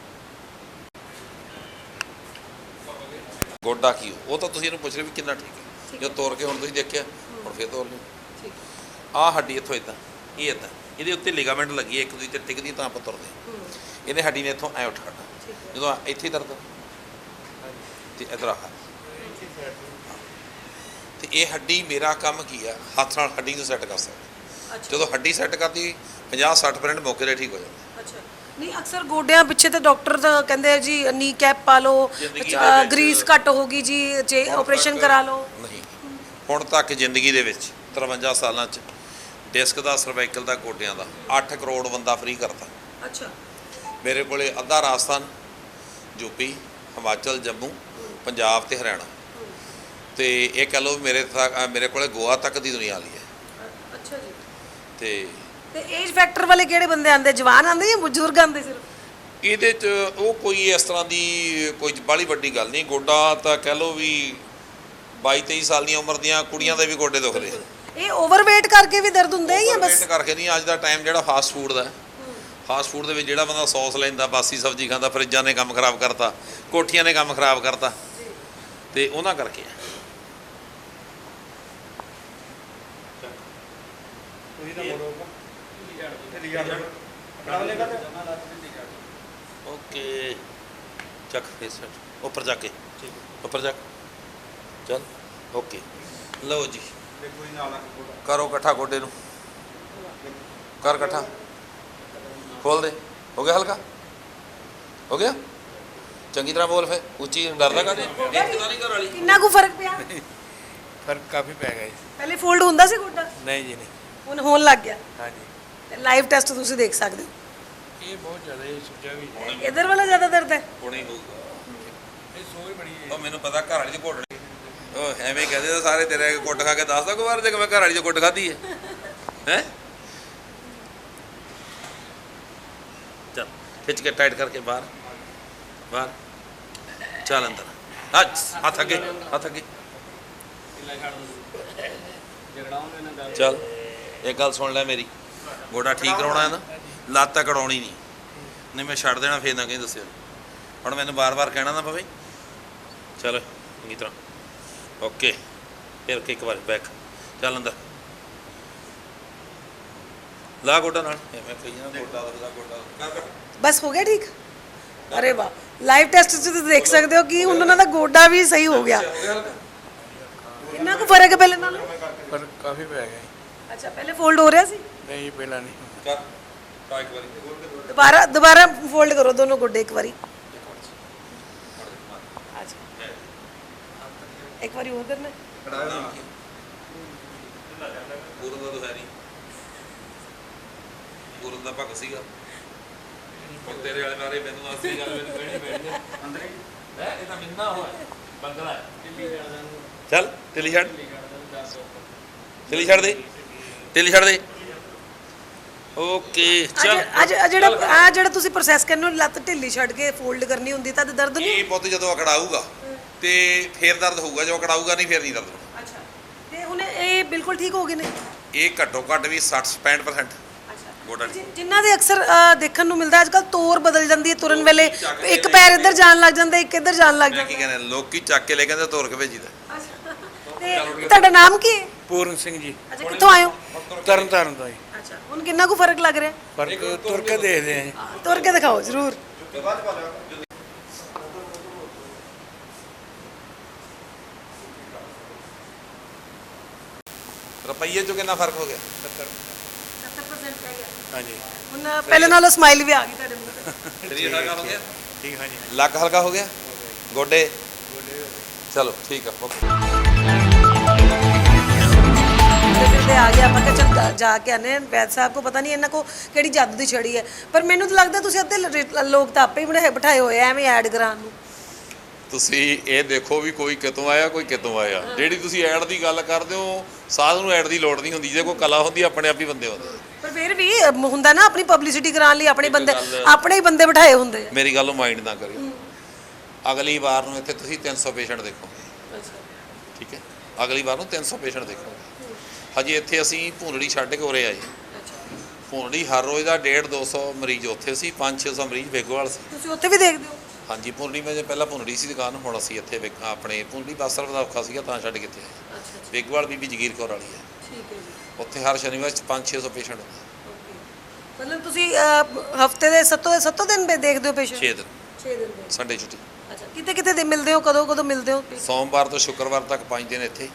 [SPEAKER 1] ਗੋਡਾ ਕੀ ਉਹ ਤਾਂ ਤੁਸੀਂ ਇਹਨੂੰ ਪੁੱਛ ਰਹੇ ਵੀ ਕਿੰਨਾ ਠੀਕ ਹੈ। ਜੋ ਤੋੜ ਕੇ ਹੁਣ ਤੁਸੀਂ ਦੇਖਿਆ, ਹੁਣ ਫਿਰ ਤੋੜ ਲਿਓ। ਆਹ ਹੱਡੀ ਇੱਥੋਂ ਇੱਦਾਂ, ਇਹ ਇੱਦਾਂ, ਇਹਦੇ ਉੱਤੇ ਲਿਗਾਮੈਂਟ ਲੱਗੀ ਹੈ, ਇੱਕ ਦੂਜੇ ਤੇ ਟਿਕਦੀ ਤਾਂ ਆਪਾਂ ਤੁਰਦੇ। ਇਹਨੇ ਹੱਡੀ ਨੇ ਇੱਥੋਂ ਐ ਉੱਠ ਖੜਨਾ, ਜਦੋਂ ਇੱਥੇ ਦਰਦ ਤੇ ਇੱਧਰ ਆ। ਤੇ ਇਹ ਹੱਡੀ, ਮੇਰਾ ਕੰਮ ਕੀ ਆ, ਹੱਥ ਨਾਲ ਹੱਡੀ ਨੂੰ ਸੈੱਟ ਕਰ ਸਕਦਾ। ਜਦੋਂ ਹੱਡੀ ਸੈੱਟ ਕਰਦੀ ਪੰਜਾਹ ਸੱਠ ਪਰਸੈਂਟ ਮੌਕੇ 'ਤੇ ਠੀਕ ਹੋ ਜਾਂਦਾ।
[SPEAKER 2] ਅੱਛਾ, ਨਹੀਂ ਅਕਸਰ ਗੋਡਿਆਂ ਪਿੱਛੇ ਤਾਂ ਡਾਕਟਰ ਤਾਂ ਕਹਿੰਦੇ ਆ ਜੀ ਨੀ ਕੈਪ ਪਾ ਲਓ, ਗਰੀਸ ਘੱਟ ਹੋਗੀ ਜੀ, ਜੇ ਆਪਰੇਸ਼ਨ ਕਰਾ ਲਓ।
[SPEAKER 1] ਨਹੀਂ, ਹੁਣ ਤੱਕ ਜ਼ਿੰਦਗੀ ਦੇ ਵਿੱਚ ਤਰਵੰਜਾ ਸਾਲਾਂ 'ਚ ਡਿਸਕ ਦਾ, ਸਰਵਾਈਕਲ ਦਾ, ਗੋਡਿਆਂ ਦਾ ਅੱਠ ਕਰੋੜ ਬੰਦਾ ਫ੍ਰੀ ਕਰਤਾ।
[SPEAKER 2] ਅੱਛਾ।
[SPEAKER 1] ਮੇਰੇ ਕੋਲੇ ਅੱਧਾ ਰਾਜਸਥਾਨ, ਯੂਪੀ, ਹਿਮਾਚਲ, ਜੰਮੂ, ਪੰਜਾਬ ਤੇ ਹਰਿਆਣਾ, ਤੇ ਇਹ ਕਹਿ ਲਓ ਮੇਰੇ ਤੱਕ ਮੇਰੇ ਕੋਲੇ ਗੋਆ ਤੱਕ ਦੀ ਦੁਨੀਆ ਲਈ ਹੈ।
[SPEAKER 2] ਅੱਛਾ ਜੀ।
[SPEAKER 1] ਤੇ
[SPEAKER 2] ਤੇ ਏਜ ਫੈਕਟਰ ਵਾਲੇ ਕਿਹੜੇ ਬੰਦੇ ਆਂਦੇ? ਜਵਾਨ ਆਂਦੇ ਜਾਂ ਬਜ਼ੁਰਗ ਆਂਦੇ ਸਿਰਫ?
[SPEAKER 1] ਇਹਦੇ 'ਚ ਉਹ ਕੋਈ ਇਸ ਤਰ੍ਹਾਂ ਦੀ ਕੋਈ ਬਾਹਲੀ ਵੱਡੀ ਗੱਲ ਨਹੀਂ। ਗੋਡਾ ਤਾਂ ਕਹਿ ਲਓ ਵੀ ਬਾਈ ਤੇਈ ਸਾਲ ਦੀਆਂ ਉਮਰ ਦੀਆਂ ਕੁੜੀਆਂ ਦੇ ਵੀ ਗੋਡੇ ਦੁਖਦੇ।
[SPEAKER 2] ਇਹ ਓਵਰਵੇਟ ਕਰਕੇ ਵੀ ਦਰਦ ਹੁੰਦਾ ਹੈ ਜਾਂ ਬਸ?
[SPEAKER 1] ਓਵਰਵੇਟ ਕਰਕੇ ਨਹੀਂ। ਅੱਜ ਦਾ ਟਾਈਮ ਜਿਹੜਾ ਫਾਸਟ ਫੂਡ ਦਾ, ਫਾਸਟ ਫੂਡ ਦੇ ਵਿੱਚ ਜਿਹੜਾ ਬੰਦਾ ਸੌਸ ਲੈਂਦਾ, ਬਾਸੀ ਸਬਜ਼ੀ ਖਾਂਦਾ, ਫਰਿੱਜਾਂ ਨੇ ਕੰਮ ਖਰਾਬ ਕਰਤਾ, ਕੋਠੀਆਂ ਨੇ ਕੰਮ ਖਰਾਬ ਕਰਤਾ, ਤੇ ਉਹਨਾਂ ਕਰਕੇ ਆ। ਓਕੇ, ਚੱਕ ਫੇਸ ਉੱਪਰ ਜਾ ਕੇ, ਉੱਪਰ ਜਾ ਚੱਲ। ਓਕੇ, ਲਓ ਜੀ, ਕਰੋ ਇਕੱਠਾ ਗੋਡੇ ਨੂੰ, ਕਰ ਇਕੱਠਾ, ਖੋਲ ਦੇ। ਹੋ ਗਿਆ ਹਲਕਾ? ਹੋ ਗਿਆ? ਚੰਗੀ ਤਰ੍ਹਾਂ ਬੋਲ ਫਿਰ, ਉੱਚੀ, ਡਰਦਾ ਕਾਹਦੇ? ਇੱਥੇ ਤਾਂ ਨਹੀਂ ਘਰ ਵਾਲੀ।
[SPEAKER 2] ਕਿੰਨਾ ਕੁ ਫਰਕ ਪਿਆ?
[SPEAKER 5] ਫਰਕ ਕਾਫੀ ਪੈ ਗਿਆ ਜੀ।
[SPEAKER 2] ਪਹਿਲੇ ਫੋਲਡ ਹੁੰਦਾ ਸੀ ਗੋਡਾ,
[SPEAKER 5] ਨਹੀਂ ਜੀ, ਨਹੀਂ।
[SPEAKER 2] ਹੁਣ ਹੋਣ ਲੱਗ ਗਿਆ।
[SPEAKER 5] ਹਾਂਜੀ,
[SPEAKER 2] ਲਾਈਵ ਟੈਸਟ ਤੁਸੀਂ ਦੇਖ ਸਕਦੇ ਹੋ।
[SPEAKER 5] ਇਹ ਬਹੁਤ ਜ਼ਿਆਦਾ ਹੀ ਸੁਝਿਆ ਵੀ
[SPEAKER 2] ਇਧਰ ਵਾਲਾ ਜ਼ਿਆਦਾ ਦਰਦ ਹੈ?
[SPEAKER 1] ਹੁਣੇ ਹੋਊਗਾ।
[SPEAKER 5] ਇਹ ਸੋਚ ਬੜੀ ਹੈ।
[SPEAKER 1] ਉਹ ਮੈਨੂੰ ਪਤਾ ਘਰ ਵਾਲੀ ਦੀ ਘੋੜਣੀ। ਉਹ ਐਵੇਂ ਕਹਦੇ ਤਾਂ ਸਾਰੇ ਤੇਰੇ ਕੁੱਟ ਖਾ ਕੇ ਦੱਸਦਾ ਕੋਈ ਵਾਰ ਜੇ ਮੈਂ ਘਰ ਵਾਲੀ ਚੋਂ ਕੁੱਟ ਖਾਧੀ ਹੈ ਹੈ ਚੱਲ ਖਿੱਚ ਕੇ ਟਾਈਟ ਕਰਕੇ ਬਾਹਰ ਬਾਹਰ ਚੱਲ ਅੰਦਰ ਹੱਥ ਹੱਥ ਅੱਗੇ ਹੱਥ ਅੱਗੇ ਚੱਲ ਇੱਕ ਗੱਲ ਸੁਣ ਲੈ ਮੇਰੀ ਗੋਡਾ ਠੀਕ ਕਰਾਉਣਾ ਹੈ ਨਾ ਲੱਤ ਤਾਂ ਕਢਾਉਣੀ ਨਹੀਂ ਨਹੀਂ ਮੈਂ ਛੱਡ ਦੇਣਾ ਫੇਰ ਨਾ ਕਹੀਂ ਦੱਸਿਆ ਹੁਣ ਮੈਨੂੰ ਬਾਰ-ਬਾਰ ਕਹਿਣਾ ਨਾ ਪਵੇ ਚੱਲ ਚੰਗੀ ਤਰ੍ਹਾਂ ਓਕੇ ਫਿਰ ਇੱਕ ਵਾਰ ਬੈਕ ਚੱਲ ਅੰਦਰ ਲਾ ਗੋਡਾ ਨਾਲ ਐਵੇਂ ਕਹੀ ਨਾ ਗੋਡਾ ਦਾ ਗੋਡਾ ਕਰ ਕਰ
[SPEAKER 2] ਬਸ ਹੋ ਗਿਆ ਠੀਕ ਅਰੇ ਵਾਹ ਲਾਈਵ ਟੈਸਟ 'ਚ ਤੁਸੀਂ ਦੇਖ ਸਕਦੇ ਹੋ ਕਿ ਹੁਣ ਉਹਨਾਂ ਦਾ ਗੋਡਾ ਵੀ ਸਹੀ ਹੋ ਗਿਆ ਕਿੰਨਾ ਕੁ ਫਰਕ ਹੈ ਪਹਿਲੇ ਨਾਲੋਂ
[SPEAKER 5] ਪਰ ਕਾਫੀ ਪੈ ਗਿਆ ਜੀ।
[SPEAKER 2] ਅੱਛਾ ਪਹਿਲੇ ਫੋਲਡ ਹੋ ਰਿਹਾ ਸੀ
[SPEAKER 5] ਨਹੀਂ ਪਹਿਲਾਂ ਨਹੀਂ
[SPEAKER 1] ਕਰ ਟਾ ਇੱਕ ਵਾਰੀ
[SPEAKER 2] ਦੁਬਾਰਾ ਦੁਬਾਰਾ ਫੋਲਡ ਕਰੋ ਦੋਨੋਂ ਗੋਡੇ ਇੱਕ ਵਾਰੀ ਅੱਛਾ ਇੱਕ ਵਾਰੀ ਹੋਰ ਕਰਨਾ
[SPEAKER 1] ਪੂਰਨ ਦਾ ਤਾਂ ਹੈ ਨਹੀਂ ਪੂਰਨ ਦਾ ਭਗਤ ਸੀਗਾ ਉਹ ਤੇਰੇ ਵਾਲੇ ਬਾਰੇ ਮੈਨੂੰ ਅਸਲੀ ਗੱਲ ਮੈਨੂੰ ਕਹਿਣੀ ਪੈਣੀ ਹੈ ਅੰਦਰ ਹੀ ਹੈ ਇਹ ਤਾਂ ਮਿੰਨਾ ਹੋਇਆ ਬੰਗਲਾ ਦਿੱਲੀ ਛੱਡ ਚੱਲ ਦਿੱਲੀ ਛੱਡ ਦਿੱਲੀ ਛੱਡ ਦੇ ਦਿੱਲੀ ਛੱਡ ਦੇ ਓਕੇ ਚੱਲ
[SPEAKER 2] ਅੱਜ ਅੱਜ ਜਿਹੜਾ ਆ ਜਿਹੜਾ ਤੁਸੀਂ ਪ੍ਰੋਸੈਸ ਕਰਨੇ ਹੋ ਲੱਤ ਢਿੱਲੀ ਛੱਡ ਕੇ ਫੋਲਡ ਕਰਨੀ ਹੁੰਦੀ ਤਾਂ ਦਰਦ ਨਹੀਂ
[SPEAKER 1] ਇਹ ਪੁੱਤ ਜਦੋਂ ਅਕੜਾਊਗਾ ਤੇ ਫੇਰ ਦਰਦ ਹੋਊਗਾ ਜੋ ਅਕੜਾਊਗਾ ਨਹੀਂ ਫੇਰ ਨਹੀਂ ਦਰਦ ਹੋਣਾ
[SPEAKER 2] ਅੱਛਾ ਤੇ ਹੁਣ ਇਹ ਬਿਲਕੁਲ ਠੀਕ ਹੋ ਗਏ ਨੇ
[SPEAKER 1] ਇਹ ਘੱਟੋ ਘੱਟ ਵੀ ਸੱਠ ਪੈਂਹਠ ਪਰਸੈਂਟ ਗੋਡਾ ਠੀਕ।
[SPEAKER 2] ਜਿਨ੍ਹਾਂ ਦੇ ਅਕਸਰ ਅ, ਦੇਖਣ ਨੂੰ ਮਿਲਦਾ ਅੱਜ ਕੱਲ ਤੋਰ ਬਦਲ ਜਾਂਦੀ ਹੈ ਤੁਰਨ ਵੇਲੇ ਇੱਕ ਪੈਰ ਇੱਧਰ ਜਾਣ ਲੱਗ ਜਾਂਦਾ ਇੱਕ ਇੱਧਰ ਜਾਣ ਲੱਗ
[SPEAKER 1] ਮੈਂ ਕੀ
[SPEAKER 2] ਜਾਂਦਾ
[SPEAKER 1] ਕਹਿੰਦੇ ਲੋਕੀ ਚੱਕ ਕੇ ਲੈ ਕਹਿੰਦੇ ਤੋਰ ਕੇ ਭੇਜੀਦਾ
[SPEAKER 2] ਤੇ ਤੁਹਾਡਾ ਨਾਮ ਕੀ ਹੈ
[SPEAKER 5] ਪੂਰਨ ਸਿੰਘ ਜੀ
[SPEAKER 2] ਅੱਛਾ ਕਿੱਥੋਂ ਆਏ ਹੋ
[SPEAKER 5] ਤਰਨ ਤਾਰਨ ਦਾ ਜੀ
[SPEAKER 2] ਅੱਛਾ ਹੁਣ ਕਿੰਨਾ ਕੁ ਫਰਕ ਲੱਗ ਰਿਹਾ
[SPEAKER 5] ਪਰ ਤੁਰ ਕੇ ਦੇਖਦੇ ਆ ਜੀ
[SPEAKER 2] ਤੁਰ ਕੇ ਦਿਖਾਓ ਜ਼ਰੂਰ
[SPEAKER 1] ਰੁਪਈਏ ਚੋਂ ਕਿੰਨਾ ਫਰਕ ਹੋ ਗਿਆ
[SPEAKER 5] ਹਾਂਜੀ
[SPEAKER 2] ਹੁਣ ਪਹਿਲੇ ਨਾਲੋਂ ਸਮਾਈਲ ਵੀ ਆ ਗਈ ਤੁਹਾਡੇ ਮੂੰਹ ਤੇ
[SPEAKER 1] ਸਰੀਰ ਹਲਕਾ ਹੋ ਗਿਆ
[SPEAKER 5] ਠੀਕ ਹਾਂ ਜੀ
[SPEAKER 1] ਲੱਕ ਹਲਕਾ ਹੋ ਗਿਆ ਗੋਡੇ ਚਲੋ ਠੀਕ ਆ ਓਕੇ
[SPEAKER 2] ਤੇ ਆ ਗਿਆ ਆਪਾਂ ਕਿ ਚਲ ਜਾ ਕੇ ਆਨੇ ਵੈਦ ਸਾਹਿਬ ਕੋ ਪਤਾ ਨਹੀਂ ਇਹਨਾਂ ਕੋ ਕਿਹੜੀ ਜਾਦੂ ਦੀ ਛੜੀ ਹੈ ਪਰ ਮੈਨੂੰ ਤਾਂ ਲੱਗਦਾ ਤੁਸੀਂ ਅੱਧੇ ਲ- ਲੋਕ ਤਾਂ ਆਪੇ ਹੀ ਬਣਾਏ ਬਿਠਾਏ ਹੋਏ ਆ ਐਵੇਂ ਐਡ ਕਰਾਉਣ ਨੂੰ
[SPEAKER 1] ਤੁਸੀਂ ਇਹ ਦੇਖੋ ਵੀ ਕੋਈ ਕਿਤੋਂ ਆਇਆ ਕੋਈ ਕਿਤੋਂ ਆਇਆ ਜਿਹੜੀ ਤੁਸੀਂ ਐਡ ਦੀ ਗੱਲ ਕਰਦੇ ਹੋ ਸਾਧ ਨੂੰ ਐਡ ਦੀ ਲੋੜ ਨਹੀਂ ਹੁੰਦੀ ਜੇ ਕੋਈ ਕਲਾ ਹੁੰਦੀ ਆਪਣੇ ਆਪ ਹੀ ਬੰਦੇ ਹੁੰਦੇ
[SPEAKER 2] ਪਰ ਫਿਰ ਵੀ ਅ, ਹੁੰਦਾ ਨਾ ਆਪਣੀ ਪਬਲਿਸਿਟੀ ਕਰਾਉਣ ਲਈ ਆਪਣੇ ਬੰਦੇ
[SPEAKER 1] ਗੱਲ-
[SPEAKER 2] ਆਪਣੇ ਹੀ ਬੰਦੇ ਬਿਠਾਏ ਹੁੰਦੇ ਆ
[SPEAKER 1] ਮੇਰੀ ਗੱਲ ਨੂੰ ਮਾਈਂਡ ਨਾ ਕਰਿਓ ਅਗਲੀ ਵਾਰ ਨੂੰ ਇੱਥੇ ਤੁਸੀਂ ਤਿੰਨ ਸੌ ਪੇਸ਼ੈਂਟ ਦੇਖੋਗੇ ਠੀਕ ਹੈ ਅਗਲੀ ਵਾਰ ਨੂੰ ਤਿੰਨ ਸੌ ਪੇਸ਼ੈਂਟ ਦੇਖੋਗੇ ਹਜੇ ਇੱਥੇ ਅਸੀਂ ਭੂੰਦੜੀ ਛੱਡ ਕੇ ਉਰੇ ਆਏ ਭੂੰਦੜੀ ਹਰ ਰੋਜ਼ ਦਾ ਡੇਢ ਦੋ ਸੌ ਮਰੀਜ਼ ਉੱਥੇ ਸੀ ਪੰਜ ਛੇ ਸੌ ਮਰੀਜ਼ ਬੇਗੋਵਾਲ ਸੀ
[SPEAKER 2] ਤੁਸੀਂ ਉੱਥੇ ਵੀ ਦੇਖਦੇ ਹੋ
[SPEAKER 1] ਹਾਂਜੀ ਭੁੰਡੀ ਮੈਂ ਜੇ ਪਹਿਲਾਂ ਭੁੰਡੀ ਸੀ ਦੁਕਾਨ ਹੁਣ ਅਸੀਂ ਇੱਥੇ ਵੇਖ- ਆਪਣੇ ਭੁੰਡੀ ਬੱਸ ਸਰਵ ਦਾ ਔਖਾ ਸੀਗਾ ਤਾਂ ਛੱਡ ਕੇ ਇੱਥੇ ਆਏ
[SPEAKER 2] ਅੱਛਾ
[SPEAKER 1] ਬੇਗਵਾਲ ਬੀਬੀ ਜਗੀਰ ਕੌਰ ਵਾਲੀ ਹੈ
[SPEAKER 2] ਠੀਕ ਹੈ ਜੀ
[SPEAKER 1] ਉੱਥੇ ਹਰ ਸ਼ਨੀਵਾਰ ਚ ਪੰਜ ਛੇ ਸੌ ਪੇਸ਼ੈਂਟ ਹੁੰਦਾ
[SPEAKER 2] ਮਤਲਬ ਤੁਸੀਂ ਹਫਤੇ ਦੇ ਸੱਤੋਂ ਸੱਤੋਂ ਦਿਨ ਬੇ ਦੇਖਦੇ ਹੋ ਪੇਸ਼ੈਂਟ
[SPEAKER 1] ਛੇ ਦਿਨ
[SPEAKER 2] ਛੇ ਦਿਨ ਦੇ
[SPEAKER 1] ਸੰਡੇ ਛੁੱਟੀ
[SPEAKER 2] ਅੱਛਾ ਕਿਤੇ ਕਿਤੇ ਦੇ ਮਿਲਦੇ ਹੋ ਕਦੋਂ ਕਦੋਂ ਮਿਲਦੇ ਹੋ
[SPEAKER 1] ਸੋਮਵਾਰ ਤੋਂ ਸ਼ੁੱਕਰਵਾਰ ਤੱਕ ਪੰਜ ਦਿਨ ਇੱਥੇ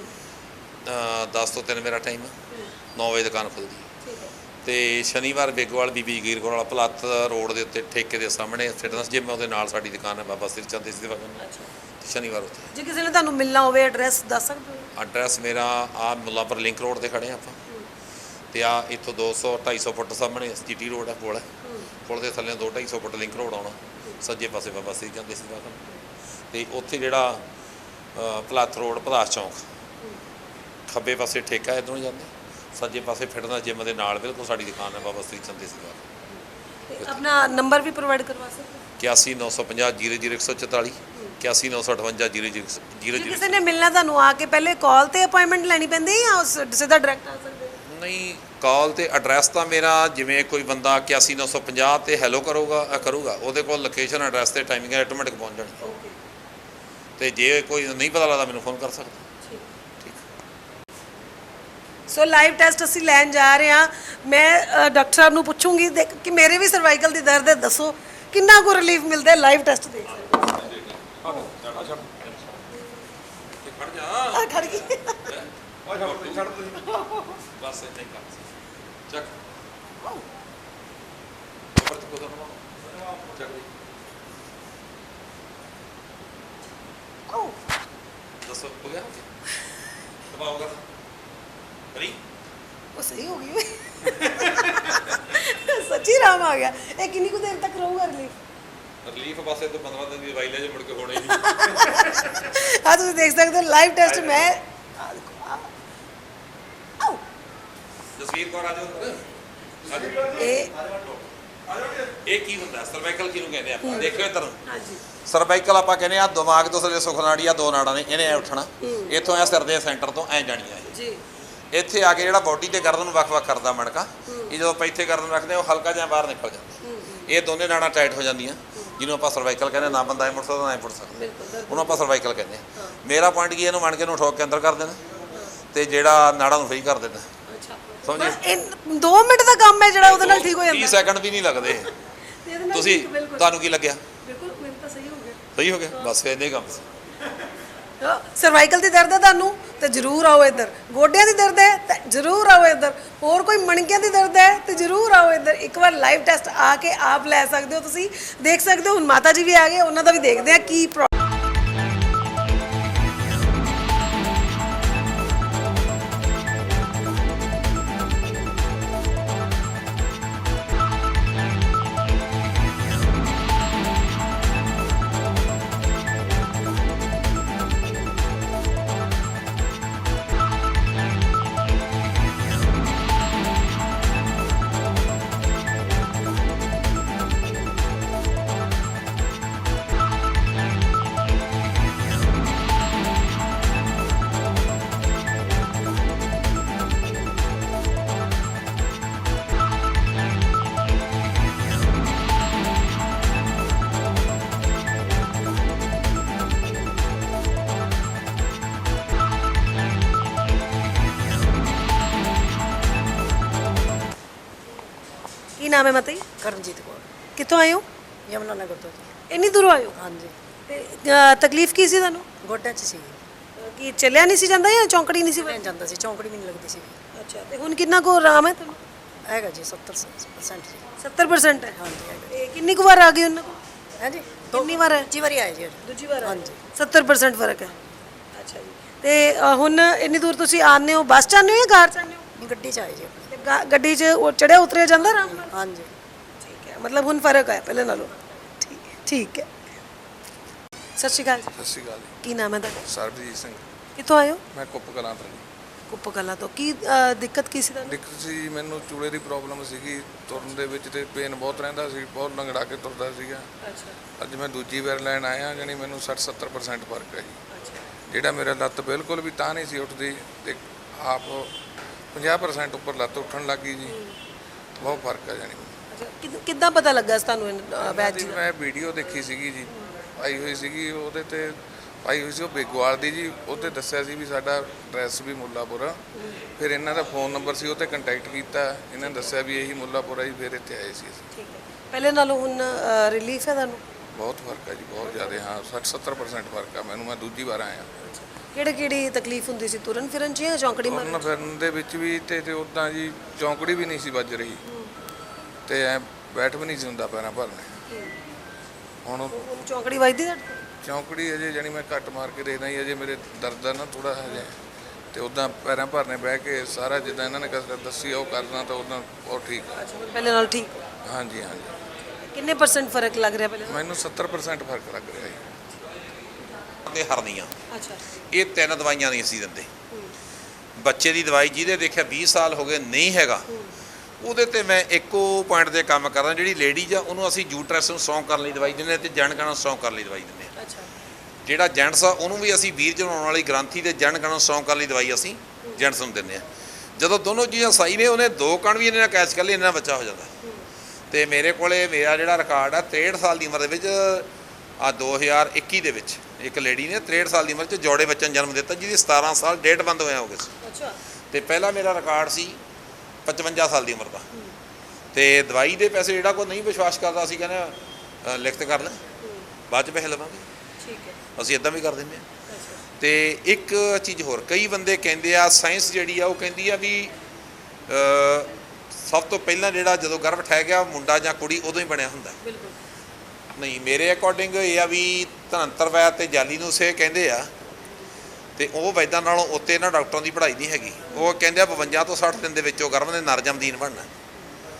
[SPEAKER 1] ਦਸ ਤੋਂ ਤਿੰਨ ਮੇਰਾ ਟਾਈਮ ਨੌ ਵਜੇ ਦੁਕਾਨ ਖੁੱਲਦੀ ਹੈ
[SPEAKER 2] ਠੀਕ ਹੈ
[SPEAKER 1] ਤੇ ਸ਼ਨੀਵਾਰ ਬੇਗਵਾਲ ਬੀਬੀ ਜਗੀਰ ਕੌਰ ਵਾਲਾ ਪਲੱਤ ਰੋਡ ਦੇ ਉੱਤੇ ਠੇਕੇ ਦੇ ਸਾਹਮਣੇ ਫਿਟਨੈਸ ਜਿਮ ਉਹਦੇ ਨਾਲ ਸਾਡੀ ਦੁਕਾਨ ਹੈ ਬਾਬਾ ਸ੍ਰੀ ਚੰਦ ਇਸ ਦੇ ਵਗਨ
[SPEAKER 2] ਅੱਛਾ
[SPEAKER 1] ਸ਼ਨੀਵਾਰ ਉੱਥੇ
[SPEAKER 2] ਜੇ ਕਿਸੇ ਨੇ ਤੁਹਾਨੂੰ ਮਿਲਣਾ ਹੋਵੇ ਐਡਰੈਸ ਦੱਸ ਸਕਦੇ ਹੋ
[SPEAKER 1] ਐਡਰੈਸ ਮੇਰਾ ਆ ਮੁੱਲਾਂਪੁਰ ਲਿੰਕ ਰੋਡ ਤੇ ਖੜੇ ਹਾਂ ਆਪਾਂ ਤੇ ਆ ਇੱਥੋਂ ਦੋ ਸੌ ਢਾਈ ਸੌ ਫੁੱਟ ਸਾਹਮਣੇ ਜੀਟੀ ਰੋਡ ਹੈ ਪੁਲ ਹੈ ਪੁਲ ਦੇ ਥੱਲੇ ਦੋ ਢਾਈ ਸੌ ਫੁੱਟ ਲਿੰਕ ਰੋਡ ਆਉਣਾ ਸੱਜੇ ਪਾਸੇ ਬਾਬਾ ਸ੍ਰੀ ਚੰਦ ਇਸ ਦਾ ਤੇ ਉੱਥੇ ਜਿਹੜਾ ਪਲਾਥ ਰੋਡ ਪਦਾਸ ਚੌਂਕ ਖੱਬੇ ਪਾਸੇ ਠੇਕਾ ਇੱਧਰੋਂ ਨੂੰ ਜਾਂਦੇ ਸੱਜੇ ਪਾਸੇ ਫਿਟਨੈਸ ਜਿਮ ਦੇ ਨਾਲ ਬਿਲਕੁਲ ਸਾਡੀ ਦੁਕਾਨ ਹੈ ਬਾਬਾ ਸ੍ਰੀ ਚੰਦ ਇਸ ਦਾ
[SPEAKER 2] ਤੇ ਆਪਣਾ ਨੰਬਰ ਵੀ ਪ੍ਰੋਵਾਈਡ ਕਰਵਾ ਸਕਦੇ ਹੋ
[SPEAKER 1] ਇਕਿਆਸੀ ਨੌ ਸੌ ਪੰਜਾਹ ਜੀਰੋ ਜੀਰੋ ਇੱਕ ਸੌ ਚੁਤਾਲੀ ਇਕਿਆਸੀ ਨੌ ਸੌ ਅਠਵੰਜਾ ਜੀਰੋ ਜੀਰੋ ਜੀਰੋ
[SPEAKER 2] ਜੇ
[SPEAKER 1] ਜੀਰੋ
[SPEAKER 2] ਕਿਸੇ ਨੇ ਮਿਲਣਾ ਤੁਹਾਨੂੰ ਆ ਕੇ ਪਹਿਲੇ ਕਾਲ ਤੇ ਅਪਾਇੰਟਮੈਂਟ ਲੈਣੀ ਪੈਂਦੀ ਹੈ ਜਾਂ ਉਸ- ਸਿੱਧਾ ਡਾਇਰੈਕਟ ਆ ਸਕਦੇ ਹੋ
[SPEAKER 1] ਨਹੀਂ ਕਾਲ ਤੇ ਐਡਰੈਸ ਤਾਂ ਮੇਰਾ ਜਿਵੇਂ ਕੋਈ ਬੰਦਾ ਇਕਿਆਸੀ ਨੌ ਸੌ ਪੰਜਾਹ ਤੇ ਹੈਲੋ ਕਰੂਗਾ ਅ, ਕਰੂਗਾ ਉਹਦੇ ਕੋਲ ਲੋਕੇਸ਼ਨ ਐਡਰੈਸ ਤੇ ਟਾਈਮਿੰਗ ਆਟੋਮੈਟਿਕ ਪਹੁੰਚ ਜਾਣੀ
[SPEAKER 2] ਓਕੇ
[SPEAKER 1] ਤੇ ਜੇ ਕੋਈ ਨਹੀਂ ਪਤਾ ਲੱਗਦਾ ਮੈਨੂੰ ਫੋਨ ਕਰ ਸਕਦਾ
[SPEAKER 2] ਸੋ ਲਾਈਵ ਟੈਸਟ ਅਸੀਂ ਲੈਣ ਜਾ ਰਹੇ ਹਾਂ ਮੈਂ ਅ, ਡਾਕਟਰ ਸਾਹਿਬ ਨੂੰ ਪੁੱਛੂੰਗੀ ਦੇਖ ਕਿ ਮੇਰੇ ਵੀ ਸਰਵਾਈਕਲ ਦੀ ਦਰਦ ਹੈ ਦੱਸੋ ਕਿੰਨਾ ਕੁ ਰਿਲੀਫ ਮਿਲਦਾ ਹੈ ਲਾਈਵ ਟੈਸਟ ਦੇਖ
[SPEAKER 1] ਖੜ ਜਾ
[SPEAKER 2] ਆ ਖੜ ਗਈ
[SPEAKER 1] ਓਏ ਛੱਡ ਤੂੰ ਛੱਡ ਤੁਸੀਂ ਬਸ ਇੱਥੇ ਹੀ ਕਰ ਚੱਕ ਉੱਪਰ ਤੋਂ ਕੋਦਰ ਨਾ ਚੱਕ ਦੇ
[SPEAKER 2] ਆਓ
[SPEAKER 1] ਦੱਸੋ ਹੋ ਗਿਆ ਦਬਾਓਗਾ ਫਰੀ
[SPEAKER 2] ਉਹ ਸਹੀ ਹੋ ਗਈ ਓਏ ਸੱਚੀ ਰਾਮ ਆ ਗਿਆ ਇਹ ਕਿੰਨੀ ਕੁ ਦੇਰ ਤੱਕ ਰਹੂਗਾ ਰਿਲੀਫ
[SPEAKER 1] ਰਿਲੀਫ ਪਾਸੇ ਤੋਂ ਪੰਦਰਾਂ ਦਿਨ ਦੀ ਦਵਾਈ ਲੈ ਜੇ ਮੁੜ ਕੇ ਹੋਣੇ ਨਹੀਂ।
[SPEAKER 2] ਆ ਤੁਸੀਂ ਦੇਖ ਸਕਦੇ ਹੋ ਲਾਈਵ ਟੈਸਟ ਮੈਂ ਆਹ ਦੇਖੋ, ਆਹ। ਆਓ
[SPEAKER 1] ਜਸਵੀਰ ਕੌਰ ਆ ਜਾਓ।
[SPEAKER 2] ਇਹ
[SPEAKER 1] ਇਹ ਕੀ ਹੁੰਦਾ ਸਰਵਾਈਕਲ ਕਿਹਨੂੰ ਕਹਿੰਦੇ ਆਪਾਂ? ਦੇਖਿਓ ਇੱਧਰ
[SPEAKER 2] ਹਾਂਜੀ
[SPEAKER 1] ਸਰਵਾਈਕਲ ਆਪਾਂ ਕਹਿੰਦੇ ਆ ਦਿਮਾਗ ਤੋਂ ਥੱਲੇ ਸੁਖਨਾੜੀ ਆ ਦੋ ਨਾੜਾਂ ਨੇ, ਇਹਨੇ ਐ ਉੱਠਣਾ, ਇੱਥੋਂ ਐ ਸਿਰ ਦੇ ਸੈਂਟਰ ਤੋਂ ਐ ਜਾਣੀਆਂ ਇਹ।
[SPEAKER 2] ਜੀ
[SPEAKER 1] ਇੱਥੇ ਆ ਕੇ ਜਿਹੜਾ ਬੋਡੀ ਤੇ ਗਰਦਨ ਨੂੰ ਵੱਖ-ਵੱਖ ਕਰਦਾ ਮਣਕਾ, ਇਹ ਜਦੋਂ ਆਪਾਂ ਇੱਥੇ ਗਰਦਨ ਰੱਖਦੇ ਆ ਉਹ ਹਲਕਾ ਜਿਹਾ ਬਾਹਰ ਨਿਕਲ ਜਾਂਦਾ। ਇਹ ਦੋਨੇ ਨਾੜਾਂ ਟਾਈਟ ਹੋ ਜਾਂਦੀਆਂ, ਜਿਹਨੂੰ ਆਪਾਂ ਸਰਵਾਈਕਲ ਕਹਿੰਦੇ। ਨਾ ਬੰਦਾ ਐ ਮੁੜ ਸਕਦਾ ਨਾ ਐ ਮੁੜ ਸਕਦਾ, ਉਹਨੂੰ ਆਪਾਂ ਸਰਵਾਈਕਲ ਕਹਿੰਦੇ ਆ। ਮੇਰਾ ਪੁਆਇੰਟ ਕੀ, ਇਹਨੂੰ ਮਣਕੇ ਨੂੰ ਠੋਕ ਕੇ ਅੰਦਰ ਕਰ ਦੇਣਾ ਤੇ ਜਿਹੜਾ ਨਾੜਾਂ ਨੂੰ ਫ੍ਰੀ ਕਰ ਦੇਣਾ। ਸਮਝੇ?
[SPEAKER 2] ਇਹ ਦੋ ਮਿੰਟ ਦਾ ਕੰਮ ਹੈ ਜਿਹੜਾ ਉਹਦੇ ਨਾਲ ਠੀਕ ਹੋ ਜਾਂਦਾ।
[SPEAKER 1] ਤੀਹ ਸੈਕਿੰਡ ਵੀ ਨਹੀਂ ਲੱਗਦੇ।
[SPEAKER 2] ਤੇ ਇਹਦੇ ਨਾਲ
[SPEAKER 1] ਤੁਸੀਂ
[SPEAKER 2] ਠੀਕ, ਬਿਲਕੁਲ
[SPEAKER 1] ਤੁਹਾਨੂੰ ਕੀ ਲੱਗਿਆ?
[SPEAKER 2] ਬਿਲਕੁਲ ਮੈਨੂੰ ਤਾਂ ਸਹੀ ਹੋ ਗਿਆ।
[SPEAKER 1] ਸਹੀ ਹੋ ਗਿਆ, ਬਸ ਇੰਨੇ ਕੰਮ ਸੀ।
[SPEAKER 2] ਸਰਵਾਈਕਲ ਦੀ ਦਰਦ ਹੈ ਤੁਹਾਨੂੰ ਤੇ ਜ਼ਰੂਰ ਆਓ ਇੱਧਰ। ਗੋਡਿਆਂ ਦੀ ਦਰਦ ਹੈ ਤੇ ਜ਼ਰੂਰ ਆਓ ਇੱਧਰ। ਹੋਰ ਕੋਈ ਮਣਕਿਆਂ ਦੀ ਦਰਦ ਹੈ ਤੇ ਜ਼ਰੂਰ ਆਓ ਇੱਧਰ। ਇੱਕ ਵਾਰ ਲਾਈਵ ਟੈਸਟ ਆ ਕੇ ਆਪ ਲੈ ਸਕਦੇ ਹੋ, ਤੁਸੀਂ ਦੇਖ ਸਕਦੇ ਹੋ। ਹੁਣ ਮਾਤਾ ਜੀ ਵੀ ਆ ਗਏ, ਉਹਨਾਂ ਦਾ ਵੀ ਦੇਖਦੇ ਆ ਕੀ ਪ੍ਰੋ- ਕੀ ਨਾਮ ਹੈ ਮਾਤਾ ਜੀ?
[SPEAKER 6] ਕਰਮਜੀਤ ਕੌਰ
[SPEAKER 2] ਕਿੱਥੋਂ ਆਏ ਹੋ?
[SPEAKER 6] ਯਮਨਾ ਨਗਰ ਤੋਂ ਜੀ।
[SPEAKER 2] ਇੰਨੀ ਦੂਰੋਂ ਆਏ ਹੋ?
[SPEAKER 6] ਹਾਂਜੀ
[SPEAKER 2] ਤੇ ਅ, ਤਕਲੀਫ ਕੀ ਸੀ ਤੁਹਾਨੂੰ?
[SPEAKER 6] ਗੋਡਿਆਂ 'ਚ ਸੀ
[SPEAKER 2] ਕੀ ਚੱਲਿਆ ਨਹੀਂ ਸੀ ਜਾਂਦਾ ਜਾਂ ਚੌਂਕੜੀ ਨਹੀਂ ਸੀ
[SPEAKER 6] ਮੈਂ ਜਾਂਦਾ ਸੀ, ਚੌਂਕੜੀ ਵੀ ਨਹੀਂ ਲੱਗਦੀ ਸੀ।
[SPEAKER 2] ਅੱਛਾ, ਤੇ ਹੁਣ ਕਿੰਨਾ ਕੁ ਆਰਾਮ ਹੈ ਤੁਹਾਨੂੰ?
[SPEAKER 6] ਹੈਗਾ ਜੀ ਸੱਤਰ ਪਰਸੈਂਟ ਜੀ।
[SPEAKER 2] ਸੱਤਰ ਪਰਸੈਂਟ ਹੈ।
[SPEAKER 6] ਹਾਂਜੀ ਹੈਗਾ।
[SPEAKER 2] ਤੇ ਕਿੰਨੀ ਕੁ ਵਾਰ ਆ ਗਏ ਉਹਨਾਂ ਕੋਲ?
[SPEAKER 6] ਹੈ ਜੀ
[SPEAKER 2] ਕਿੰਨੀ ਵਾਰ ਹੈ?
[SPEAKER 6] ਦੂਜੀ ਵਾਰੀ ਆਏ ਜੀ।
[SPEAKER 2] ਦੂਜੀ ਵਾਰ
[SPEAKER 6] ਹਾਂਜੀ।
[SPEAKER 2] ਸੱਤਰ ਪਰਸੈਂਟ ਫਰਕ ਹੈ। ਅੱਛਾ ਜੀ। ਤੇ ਅ, ਹੁਣ ਇੰਨੀ ਦੂਰ ਤੁਸੀਂ ਆਉਂਦੇ ਹੋ, ਬੱਸ 'ਚ ਆਉਂਦੇ ਹੋ ਜਾਂ ਕਾਰ 'ਚ ਆਉਂਦੇ ਹੋ?
[SPEAKER 6] ਨਹੀਂ, ਗੱਡੀ 'ਚ ਆਏ ਜੀ ਆਪਣੀ।
[SPEAKER 2] ਤੇ ਗਾ- ਗੱਡੀ 'ਚ ਉਹ ਚੜਿਆ ਉਤਰਿਆ ਜਾਂਦਾ ਆਰਾਮ ਨਾਲ?
[SPEAKER 6] ਹਾਂਜੀ
[SPEAKER 2] ਠੀਕ ਹੈ, ਮਤਲਬ ਹੁਣ ਫਰਕ ਹੈ ਪਹਿਲੇ ਨਾਲੋਂ। ਠੀਕ ਹੈ, ਠੀਕ ਹੈ। ਸਤਿ ਸ਼੍ਰੀ ਅਕਾਲ ਜੀ।
[SPEAKER 7] ਸਤਿ ਸ਼੍ਰੀ ਅਕਾਲ ਜੀ।
[SPEAKER 2] ਕੀ ਨਾਮ ਹੈ ਤੁਹਾਡਾ?
[SPEAKER 7] ਸਰਬਜੀਤ ਸਿੰਘ।
[SPEAKER 2] ਕਿੱਥੋਂ ਆਏ ਹੋ?
[SPEAKER 7] ਮੈਂ ਕੁੱਪ ਕਲਾਂ ਤੋਂ ਜੀ।
[SPEAKER 2] ਕੁੱਪਕਲਾ ਤੋਂ। ਕੀ ਅ, ਦਿੱਕਤ ਕੀ ਸੀ ਤੁਹਾਨੂੰ?
[SPEAKER 7] ਦਿੱਕਤ ਸੀ, ਮੈਨੂੰ ਚੂਲੇ ਦੀ ਪ੍ਰੋਬਲਮ ਸੀਗੀ, ਤੁਰਨ ਦੇ ਵਿੱਚ ਤੇ ਪੇਨ ਬਹੁਤ ਰਹਿੰਦਾ ਸੀ, ਬਹੁਤ ਲੰਗੜਾ ਕੇ ਤੁਰਦਾ ਸੀਗਾ।
[SPEAKER 2] ਅੱਛਾ
[SPEAKER 7] ਅੱਜ ਮੈਂ ਦੂਜੀ ਵਾਰ ਲੈਣ ਆਇਆ, ਜਾਣੀ ਮੈਨੂੰ ਸੱਠ ਸੱਤਰ ਪਰਸੈਂਟ ਫਰਕ ਹੈ ਜੀ। ਜਿਹੜਾ ਮੇਰਾ ਲੱਤ ਬਿਲਕੁਲ ਵੀ ਤਾਂ ਨਹੀਂ ਸੀ ਉੱਠਦੀ ਤੇ ਆਪ ਪੰਜਾਹ ਪਰਸੈਂਟ ਉੱਪਰ ਲੱਤ ਉੱਠਣ ਲੱਗੀ ਜੀ। ਬਹੁਤ ਫਰਕ ਹੈ ਜਾਣੀ।
[SPEAKER 2] ਅੱਛਾ, ਕਿੱਦ- ਕਿੱਦਾਂ ਪਤਾ ਲੱਗਾ ਸੀ ਤੁਹਾਨੂੰ ਇਹ ਵੈਦ ਜੀ ਦਾ?
[SPEAKER 7] ਮੈਂ ਵੀਡੀਓ ਦੇਖੀ ਸੀਗੀ ਜੀ, ਪਾਈ ਹੋਈ ਸੀਗੀ, ਉਹਦੇ ਤੇ ਪਾਈ ਹੋਈ ਸੀ ਉਹ ਬੇਗਵਾਲ ਦੀ ਜੀ। ਉਹਤੇ ਦੱਸਿਆ ਸੀ ਵੀ ਸਾਡਾ ਐਡਰੈਸ ਵੀ ਮੁੱਲਾਪੁਰ। ਫਿਰ ਇਹਨਾਂ ਦਾ ਫੋਨ ਨੰਬਰ ਸੀ, ਉਹ 'ਤੇ ਕੰਟੈਕਟ ਕੀਤਾ। ਇਹਨਾਂ ਨੇ ਦੱਸਿਆ ਵੀ ਇਹੀ ਮੁੱਲਾਪੁਰ ਹੈ ਜੀ। ਫਿਰ ਇੱਥੇ ਆਏ ਸੀ ਅਸੀਂ।
[SPEAKER 2] ਠੀਕ ਹੈ, ਪਹਿਲੇ ਨਾਲੋਂ ਹੁਣ ਰਿਲੀਫ ਹੈ ਤੁਹਾਨੂੰ?
[SPEAKER 7] ਬਹੁਤ ਫਰਕ ਹੈ ਜੀ, ਬਹੁਤ ਜ਼ਿਆਦਾ। ਹਾਂ, ਸੱਠ ਸੱਤਰ ਪਰਸੈਂਟ ਫਰਕ ਆ ਮੈਨੂੰ। ਮੈਂ ਦੂਜੀ ਵਾਰ ਆਇਆ।
[SPEAKER 2] ਕਿਹੜੇ ਕਿਹੜੀ ਤਕਲੀਫ ਹੁੰਦੀ ਸੀ? ਤੁਰਨ ਫਿਰਨ 'ਚ ਜਾਂ ਚੌਂਕੜੀ ਮਾਰਨ
[SPEAKER 7] ਤੁਰਨ ਫਿਰਨ ਦੇ ਵਿੱਚ ਵੀ ਤੇ ਤੇ ਉੱਦਾਂ ਜੀ ਚੌਂਕੜੀ ਵੀ ਨਹੀਂ ਸੀ ਵੱਜ ਰਹੀ ਤੇ ਐ ਬੈਠ ਵੀ ਨਹੀਂ ਸੀ ਹੁੰਦਾ ਪੈਰਾਂ ਭਰਨੇ। ਹੁਣ
[SPEAKER 2] ਹੁਣ ਚੌਂਕੜੀ ਵੱਜਦੀ ਤੁਹਾਡੇ?
[SPEAKER 7] ਚੌਂਕੜੀ ਅਜੇ ਜਾਣੀ ਮੈਂ ਘੱਟ ਮਾਰ ਕੇ ਦੇਖਦਾ ਜੀ। ਅਜੇ ਮੇਰੇ ਦਰਦ ਆ ਨਾ ਥੋੜਾ ਹਜੇ, ਤੇ ਉੱਦਾਂ ਪੈਰਾਂ ਭਰਨੇ ਬਹਿ ਕੇ ਸਾਰਾ ਜਿੱਦਾਂ ਇਹਨਾਂ ਨੇ ਕਸਰਤ ਦੱਸੀ ਆ ਉਹ ਕਰਨਾ, ਤਾਂ ਉੱਦਾਂ ਉਹ ਠੀਕ ਆ।
[SPEAKER 2] ਅੱਛਾ, ਹੁਣ ਪਹਿਲੇ ਨਾਲੋਂ ਠੀਕ?
[SPEAKER 7] ਹਾਂਜੀ ਹਾਂਜੀ,
[SPEAKER 2] ਕਿੰਨੇ ਪਰਸੈਂਟ ਫਰਕ ਲੱਗ ਰਿਹਾ ਪਹਿਲੇ?
[SPEAKER 7] ਮੈਨੂੰ ਸੱਤਰ ਪਰਸੈਂਟ ਫਰਕ ਲੱਗ ਰਿਹਾ ਜੀ।
[SPEAKER 1] ਤੇ ਹਰਨੀਆਂ,
[SPEAKER 2] ਅੱਛਾ।
[SPEAKER 1] ਇਹ ਤਿੰਨ ਦਵਾਈਆਂ ਨਹੀਂ ਅਸੀਂ ਦਿੰਦੇ। ਬੱਚੇ ਦੀ ਦਵਾਈ ਜਿਹਦੇ ਦੇਖਿਆ ਵੀਹ ਸਾਲ ਹੋ ਗਏ ਨਹੀਂ ਹੈਗਾ, ਉਹਦੇ ਤੇ ਮੈਂ ਇੱਕੋ ਪੁਆਇੰਟ ਤੇ ਕੰਮ ਕਰਦਾ। ਜਿਹੜੀ ਲੇਡੀਜ਼ ਆ ਉਹਨੂੰ ਅਸੀਂ ਯੂਟਰਸ ਨੂੰ ਸਟਰੋਂਗ ਕਰਨ ਲਈ ਦਵਾਈ ਦਿੰਦੇ ਹਾਂ ਤੇ ਜਣਕਾਂ ਨੂੰ ਸਟਰੋਂਗ ਕਰਨ ਲਈ ਦਵਾਈ ਦਿੰਦੇ ਹਾਂ।
[SPEAKER 2] ਅੱਛਾ।
[SPEAKER 1] ਜਿਹੜਾ ਜੈਂਟਸ ਆ ਉਹਨੂੰ ਵੀ ਅਸੀਂ ਵੀਰ ਜਣਾਉਣ ਵਾਲੀ ਗ੍ਰੰਥੀ ਤੇ ਜਣਕਾਂ ਨੂੰ ਸਟਰੋਂਗ ਕਰਨ ਲਈ ਦਵਾਈ ਅਸੀਂ ਜੈਂਟਸ ਨੂੰ ਦਿੰਦੇ ਹਾਂ। ਜਦੋਂ ਦੋਨੋਂ ਚੀਜ਼ਾਂ ਸਹੀ ਨੇ, ਉਹਨੇ ਦੋ ਕਣ ਵੀ ਇਹਨੇ ਨਾਲ ਕੈਚ ਕਰ ਲਈ, ਇਹਨਾਂ ਬੱਚਾ ਹੋ ਜਾਂਦਾ। ਤੇ ਮੇਰੇ ਕੋਲੇ ਮੇਰਾ ਜਿਹੜਾ ਰਿਕਾਰਡ ਆ ਤ੍ਰੇਹਠ ਸਾਲ ਦੀ ਉਮਰ ਦੇ ਵਿੱਚ, ਆ ਦੋ ਹਜ਼ਾਰ ਇੱਕੀ ਦੇ ਵਿੱਚ ਇੱਕ ਲੇਡੀ ਨੇ ਤ੍ਰੇਹਠ ਸਾਲ ਦੀ ਉਮਰ 'ਚ ਜੋੜੇ ਬੱਚੇ ਨੂੰ ਜਨਮ ਦਿੱਤਾ, ਜਿਹਦੀ ਸਤਾਰਾਂ ਸਾਲ ਡੇਟ ਬੰਦ ਹੋਇਆ ਹੋ ਗਏ ਸੀ।
[SPEAKER 2] ਅੱਛਾ।
[SPEAKER 1] ਤੇ ਪਹਿਲਾ ਮੇਰਾ ਰਿਕਾਰਡ ਸੀ ਪਚਵੰਜਾ ਸਾਲ ਦੀ ਉਮਰ ਦਾ। ਤੇ ਦਵਾਈ ਦੇ ਪੈਸੇ ਜਿਹੜਾ ਕੋਈ ਨਹੀਂ ਵਿਸ਼ਵਾਸ ਕਰਦਾ, ਅਸੀਂ ਕਹਿੰਦੇ ਅ, ਲਿਖਤ ਕਰ ਲੈ, ਬਾਅਦ 'ਚ ਪੈਸੇ ਲਵਾਂਗੇ।
[SPEAKER 2] ਠੀਕ ਹੈ।
[SPEAKER 1] ਅਸੀਂ ਇੱਦਾਂ ਵੀ ਕਰ ਦਿੰਦੇ ਹਾਂ। ਤੇ ਇੱਕ ਚੀਜ਼ ਹੋਰ, ਕਈ ਬੰਦੇ ਕਹਿੰਦੇ ਆ ਸਾਇੰਸ ਜਿਹੜੀ ਆ ਉਹ ਕਹਿੰਦੀ ਆ ਵੀ ਅ, ਸਭ ਤੋਂ ਪਹਿਲਾਂ ਜਿਹੜਾ ਜਦੋਂ ਗਰਭ ਠਹਿ ਗਿਆ ਮੁੰਡਾ ਜਾਂ ਕੁੜੀ ਉਦੋਂ ਹੀ ਬਣਿਆ ਹੁੰਦਾ।
[SPEAKER 2] ਬਿਲਕੁਲ
[SPEAKER 1] ਨਹੀਂ, ਮੇਰੇ ਅਕੋਰਡਿੰਗ ਇਹ ਆ ਵੀ ਧਨੰਤਰ ਵੈਦ ਤੇ ਜਾਲੀ ਨੂੰ ਸੇ ਕਹਿੰਦੇ ਆ, ਤੇ ਉਹ ਵੈਦਾਂ ਨਾਲੋਂ ਉੱਤੇ ਇਹਨਾਂ ਡਾਕਟਰਾਂ ਦੀ ਪੜ੍ਹਾਈ ਨਹੀਂ ਹੈਗੀ। ਉਹ ਕਹਿੰਦੇ ਆ ਬਵੰਜਾ ਤੋਂ ਸੱਠ ਦਿਨ ਦੇ ਵਿੱਚ ਉਹ ਗਰਭ ਨੇ ਨਰ ਜਮਦੀਨ ਬਣਨਾ।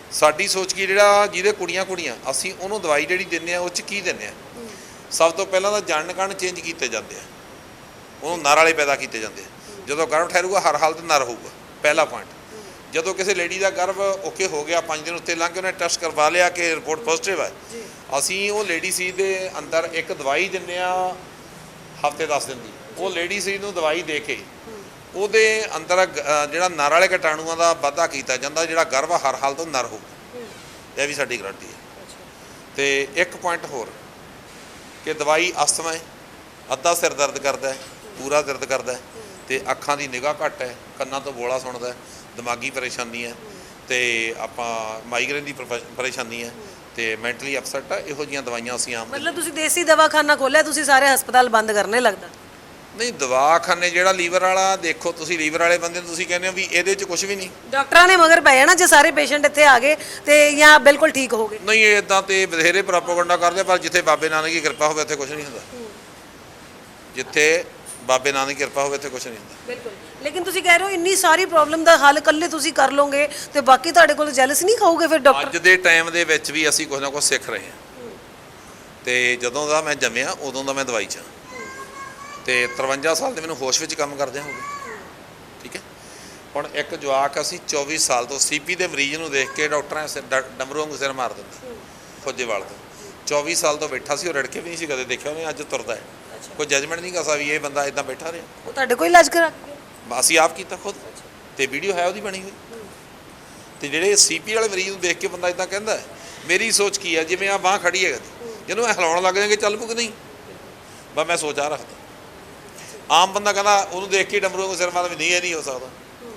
[SPEAKER 1] ਸਾਡੀ ਸੋਚ ਕੀ, ਜਿਹੜਾ ਜਿਹਦੇ ਕੁੜੀਆਂ ਕੁੜੀਆਂ ਅਸੀਂ ਉਹਨੂੰ ਦਵਾਈ ਜਿਹੜੀ ਦਿੰਦੇ ਆ ਉਹ 'ਚ ਕੀ ਦਿੰਦੇ ਆ। ਸਭ ਤੋਂ ਪਹਿਲਾਂ ਤਾਂ ਜਣ ਕਣ ਚੇਂਜ ਕੀਤੇ ਜਾਂਦੇ ਆ, ਉਹਨੂੰ ਨਰ ਵਾਲੇ ਪੈਦਾ ਕੀਤੇ ਜਾਂਦੇ ਆ। ਜਦੋਂ ਗਰਭ ਠਹਿਰੂਗਾ ਹਰ ਹਾਲਤ ਨਰ ਹੋਊਗਾ, ਪਹਿਲਾ ਪੁਆਇੰਟ। ਜਦੋਂ ਕਿਸੇ ਲੇਡੀ ਦਾ ਗਰਭ ਓਕੇ ਹੋ ਗਿਆ, ਪੰਜ ਦਿਨ ਉੱਤੇ ਲੰਘ ਕੇ ਉਹਨੇ ਟੈਸਟ ਕਰਵਾ ਲਿਆ ਕਿ ਰਿਪੋਰਟ ਪੋਜ਼ਿਟਿਵ ਹੈ, ਅਸੀਂ ਉਹ ਲੇਡੀ ਸੀ ਦੇ ਅੰਦਰ ਇੱਕ ਦਵਾਈ ਦਿੰਦੇ ਆ ਹਫ਼ਤੇ ਦਸ ਦਿਨ ਦੀ। ਉਹ ਲੇਡੀ ਸੀ ਨੂੰ ਦਵਾਈ ਦੇ ਕੇ ਉਹਦੇ ਅੰਦਰ ਜਿਹੜਾ ਨਰ ਵਾਲੇ ਕੀਟਾਣੂਆਂ ਦਾ ਵਾਧਾ ਕੀਤਾ ਜਾਂਦਾ, ਜਿਹੜਾ ਗਰਭ ਹਰ ਹਾਲਤ ਨਰ ਹੋਊਗਾ। ਇਹ ਵੀ ਸਾਡੀ ਗਰੰਟੀ ਹੈ। ਤੇ ਇੱਕ ਪੁਆਇੰਟ ਹੋਰ ਕਿ ਦਵਾਈ ਅਸਥਮਾ ਹੈ, ਅੱਧਾ ਸਿਰ ਦਰਦ ਕਰਦਾ ਹੈ, ਪੂਰਾ ਦਰਦ ਕਰਦਾ ਹੈ, ਤੇ ਅੱਖਾਂ ਦੀ ਨਿਗਾਹ ਘੱਟ ਹੈ, ਕੰਨਾਂ ਤੋਂ ਬੋਲਾ ਸੁਣਦਾ, ਦਿਮਾਗੀ ਪਰੇਸ਼ਾਨੀ ਹੈ, ਤੇ ਆਪਾਂ ਮਾਈਗ੍ਰੇਨ ਦੀ ਪਰੇਸ਼ਾਨੀ ਹੈ, ਤੇ ਮੈਂਟਲੀ ਅਪਸੈਟ ਆ। ਇਹੋ ਜਿਹੀਆਂ ਦਵਾਈਆਂ ਅਸੀਂ ਆਮ
[SPEAKER 2] ਮਤਲਬ ਤੁਸੀਂ ਦੇਸੀ ਦਵਾਖਾਨਾ ਖੋਲਿਆ, ਤੁਸੀਂ ਸਾਰੇ ਹਸਪਤਾਲ ਬੰਦ ਕਰਨੇ ਲੱਗਦਾ।
[SPEAKER 1] ਨਹੀਂ, ਦਵਾਖਾਨੇ ਜਿਹੜਾ ਲੀਵਰ ਵਾਲਾ ਦੇਖੋ, ਤੁਸੀਂ ਲੀਵਰ ਵਾਲੇ ਬੰਦੇ ਨੂੰ ਤੁਸੀਂ ਕਹਿੰਦੇ ਹੋ ਵੀ ਇਹਦੇ 'ਚ ਕੁਝ ਵੀ ਨਹੀਂ।
[SPEAKER 2] ਡਾਕਟਰਾਂ ਨੇ ਮਗਰ ਪਏ ਨਾ ਜੇ ਸਾਰੇ ਪੇਸ਼ੈਂਟ ਇੱਥੇ ਆ ਗਏ ਤੇ ਜਾਂ ਬਿਲਕੁਲ ਠੀਕ ਹੋ ਗਏ।
[SPEAKER 1] ਨਹੀਂ, ਇਹ ਇਦਾਂ ਤੇ ਬਥੇਰੇ ਪ੍ਰੋਪਗੈਂਡਾ ਕਰਦੇ, ਪਰ ਜਿੱਥੇ ਬਾਬੇ ਨਾਨਕ ਦੀ ਕਿਰਪਾ ਹੋਵੇ ਉੱਥੇ ਕੁਝ ਨਹੀਂ ਹੁੰਦਾ। ਜਿੱਥੇ ਬਾਬੇ ਨਾਨਕ ਦੀ ਕਿਰਪਾ ਹੋਵੇ ਉੱਥੇ ਕੁਝ ਨਹੀਂ ਹੁੰਦਾ।
[SPEAKER 2] ਬਿਲਕੁਲ। ਲੇਕਿਨ ਤੁਸੀਂ ਕਹਿ ਰਹੇ ਹੋ ਇੰਨੀ ਸਾਰੀ ਪ੍ਰੋਬਲਮ ਦਾ ਹੱਲ ਇਕੱਲੇ ਤੁਸੀਂ ਕਰ ਲਓਗੇ ਤੇ ਬਾਕੀ ਤੁਹਾਡੇ ਕੋਲ ਜੈਲਸ ਨਹੀਂ ਖਾਓਗੇ ਫਿਰ ਡਾਕਟਰ?
[SPEAKER 1] ਅੱਜ ਦੇ ਟਾਈਮ ਦੇ ਵਿੱਚ ਵੀ ਅਸੀਂ ਕੁਝ ਨਾ ਕੁਝ ਸਿੱਖ ਰਹੇ ਹਾਂ। ਤੇ ਜਦੋਂ ਦਾ ਮੈਂ ਜੰਮਿਆ ਉਦੋਂ ਦਾ ਮੈਂ ਦਵਾਈ 'ਚ, ਤੇ ਤਰਵੰਜਾ ਸਾਲ ਦੇ ਮੈਨੂੰ ਹੋਸ਼ ਵਿੱਚ ਕੰਮ ਕਰਦੇ ਹੋ ਗਏ। ਠੀਕ ਹੈ। ਹੁਣ ਇੱਕ ਜਵਾਕ ਅਸੀਂ ਚੌਵੀ ਸਾਲ ਤੋਂ ਸੀਪੀ ਦੇ ਮਰੀਜ਼ ਨੂੰ ਦੇਖ ਕੇ ਡਾਕਟਰਾਂ ਸਿਰ ਡਮਰੂ ਵਾਂਗੂ ਸਿਰ ਮਾਰ ਦਿੰਦਾ, ਫੌਜੇਵਾਲ ਤੋਂ। ਚੌਵੀ ਸਾਲ ਤੋਂ ਬੈਠਾ ਸੀ, ਉਹ ਰੜਕੇ ਵੀ ਨਹੀਂ ਸੀ ਕਦੇ ਦੇਖਿਆ ਉਹਨੇ, ਅੱਜ ਤੁਰਦਾ ਹੈ। ਕੋਈ ਜਜਮੈਂਟ ਨਹੀਂ ਕਰ ਸਕਦਾ ਵੀ ਇਹ ਬੰਦਾ ਇਦਾਂ ਬੈਠਾ ਰਿਹਾ।
[SPEAKER 2] ਉਹ ਤੁਹਾਡੇ ਕੋਈ ਇਲਾਜ ਕਰਾ ਕੇ?
[SPEAKER 1] ਅਸੀਂ ਆਪ ਕੀਤਾ ਖੁਦ, ਤੇ ਵੀਡੀਓ ਹੈ ਉਹਦੀ ਬਣੀ ਹੋਈ। ਤੇ ਜਿਹੜੇ ਸੀਪੀ ਵਾਲੇ ਮਰੀਜ਼ ਨੂੰ ਦੇਖ ਕੇ ਬੰਦਾ ਇਦਾਂ ਕਹਿੰਦਾ, ਮੇਰੀ ਸੋਚ ਕੀ ਹੈ, ਜਿਵੇਂ ਆ ਬਾਂਹ ਖੜੀ ਹੈ ਜਿਹਨੂੰ ਮੈਂ ਹਿਲਾਉਣ ਲੱਗ ਜਾਵਾਂਗੇ ਚੱਲ ਪੂ ਕਿ ਨਹੀਂ, ਬਸ ਮੈਂ ਸੋਚ ਆ ਰੱਖਦਾ। ਆਮ ਬੰਦਾ ਕਹਿੰਦਾ ਉਹਨੂੰ ਦੇਖ ਕੇ ਡਮਰੂ ਨੂੰ ਸਿਰ ਮਾਰਦਾ ਵੀ ਨਹੀਂ, ਇਹ ਨਹੀਂ ਹੋ ਸਕਦਾ।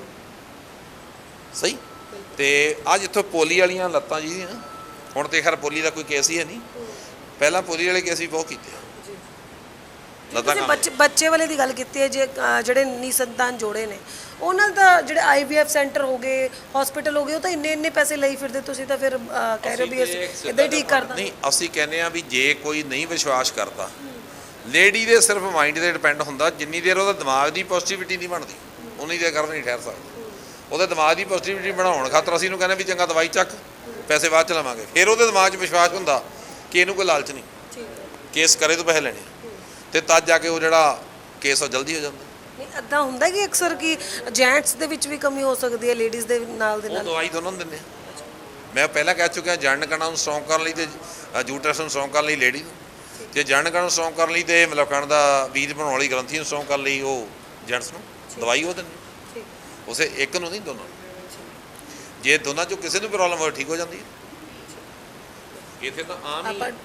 [SPEAKER 1] ਸਹੀ। ਤੇ ਆ ਜਿੱਥੋਂ ਪੋਲੀ ਵਾਲੀਆਂ ਲੱਤਾਂ ਜੀ, ਹੁਣ ਤੇ ਖੈਰ ਪੋਲੀ ਦਾ ਕੋਈ ਕੇਸ ਹੀ ਹੈ ਨਹੀਂ, ਪਹਿਲਾਂ ਪੋਲੀ ਵਾਲੇ ਕੇਸ ਵੀ ਬਹੁਤ ਕੀਤੇ ਆ।
[SPEAKER 2] ਤੁਸੀਂ ਬੱਚੇ ਬੱਚੇ ਵਾਲੇ ਦੀ ਗੱਲ ਕੀਤੀ ਹੈ, ਜੇ ਅ, ਜਿਹੜੇ ਨਿਸੰਤਾਨ ਜੋੜੇ ਨੇ ਉਹਨਾਂ ਦਾ ਜਿਹੜੇ ਆਈ ਵੀ ਐਫ ਸੈਂਟਰ ਹੋ ਗਏ, ਹਸਪੀਟਲ ਹੋ ਗਏ, ਉਹ ਤਾਂ ਇੰਨੇ ਇੰਨੇ ਪੈਸੇ ਲਈ ਫਿਰਦੇ, ਤੁਸੀਂ ਤਾਂ ਫਿਰ ਅ, ਕਹਿ ਰਹੇ ਹੋ ਵੀ ਅਸੀਂ ਇੱਦਾਂ ਹੀ ਠੀਕ ਕਰਦਾ।
[SPEAKER 1] ਨਹੀਂ, ਅਸੀਂ ਕਹਿੰਦੇ ਆ ਵੀ ਜੇ ਕੋਈ ਨਹੀਂ ਵਿਸ਼ਵਾਸ ਕਰਦਾ, ਲੇਡੀ ਦੇ ਸਿਰਫ ਮਾਈਂਡ 'ਤੇ ਡਿਪੈਂਡ ਹੁੰਦਾ। ਜਿੰਨੀ ਦੇਰ ਉਹਦਾ ਦਿਮਾਗ ਦੀ ਪੋਜ਼ਿਟਿਵਿਟੀ ਨਹੀਂ ਬਣਦੀ ਉਨੀ ਦੇਰ ਕਰ ਨਹੀਂ ਠਹਿਰ ਸਕਦਾ। ਉਹਦੇ ਦਿਮਾਗ ਦੀ ਪੋਜ਼ਿਟਿਵਿਟੀ ਬਣਾਉਣ ਖਾਤਰ ਅਸੀਂ ਇਹਨੂੰ ਕਹਿੰਦੇ ਵੀ ਚੰਗਾ ਦਵਾਈ ਚੱਕ, ਪੈਸੇ ਬਾਅਦ ਚ ਲਵਾਂਗੇ। ਫਿਰ ਉਹਦੇ ਦਿਮਾਗ 'ਚ ਵਿਸ਼ਵਾਸ ਹੁੰਦਾ ਕਿ ਇਹਨੂੰ ਕੋਈ ਲਾਲਚ ਨਹੀਂ, ਕੇਸ ਕਰੇ ਤੋਂ ਪੈਸੇ ਲੈਣੇ, ਤੇ ਤਦ ਜਾ ਕੇ ਉਹ ਜਿਹੜਾ ਕੇਸ ਉਹ ਜਲਦੀ ਹੋ ਜਾਂਦਾ।
[SPEAKER 2] ਨਹੀਂ, ਇੱਦਾਂ ਹੁੰਦਾ ਕਿ ਅਕਸਰ ਕਿ ਜੈਂਟਸ ਦੇ ਵਿੱਚ ਵੀ ਕਮੀ ਹੋ ਸਕਦੀ ਹੈ, ਲੇਡੀਜ਼ ਦੇ ਨਾਲ ਦੇ
[SPEAKER 1] ਉਹ
[SPEAKER 2] ਨਾਲ?
[SPEAKER 1] ਦਵਾਈ ਦੋਨੋਂ ਨੂੰ ਦਿੰਦੇ ਆ। ਮੈਂ ਪਹਿਲਾਂ ਕਹਿ ਚੁੱਕਿਆ, ਜਣ ਕਣਾਂ ਨੂੰ ਸਟਰੋਂਗ ਕਰਨ ਲਈ ਤੇ ਯੂਟਰਸ ਨੂੰ ਸਟਰੋਂਗ ਕਰਨ ਲਈ ਲੇਡੀ ਨੂੰ, ਜੇ ਜਣ ਕਣਾਂ ਨੂੰ ਸਟਰੋਂਗ ਕਰਨ ਲਈ ਤੇ ਮਤਲਬ ਕਣ ਦਾ ਬੀਜ ਬਣਾਉਣ ਵਾਲੀ ਗ੍ਰੰਥੀ ਨੂੰ ਸਟਰੋਂਗ ਕਰਨ ਲਈ ਉਹ ਜੈਂਟਸ ਨੂੰ ਦਵਾਈ ਉਹ ਦਿੰਦੇ, ਉਸੇ ਇੱਕ ਨੂੰ ਨਹੀਂ, ਦੋਨੋਂ ਨੂੰ। ਜੇ ਦੋਨਾਂ 'ਚੋਂ ਕਿਸੇ ਨੂੰ ਪ੍ਰੋਬਲਮ ਹੋਵੇ ਠੀਕ ਹੋ ਜਾਂਦੀ ਹੈ। ਇੱਥੇ ਤਾਂ ਆਮ ਹੀ ਹੈ।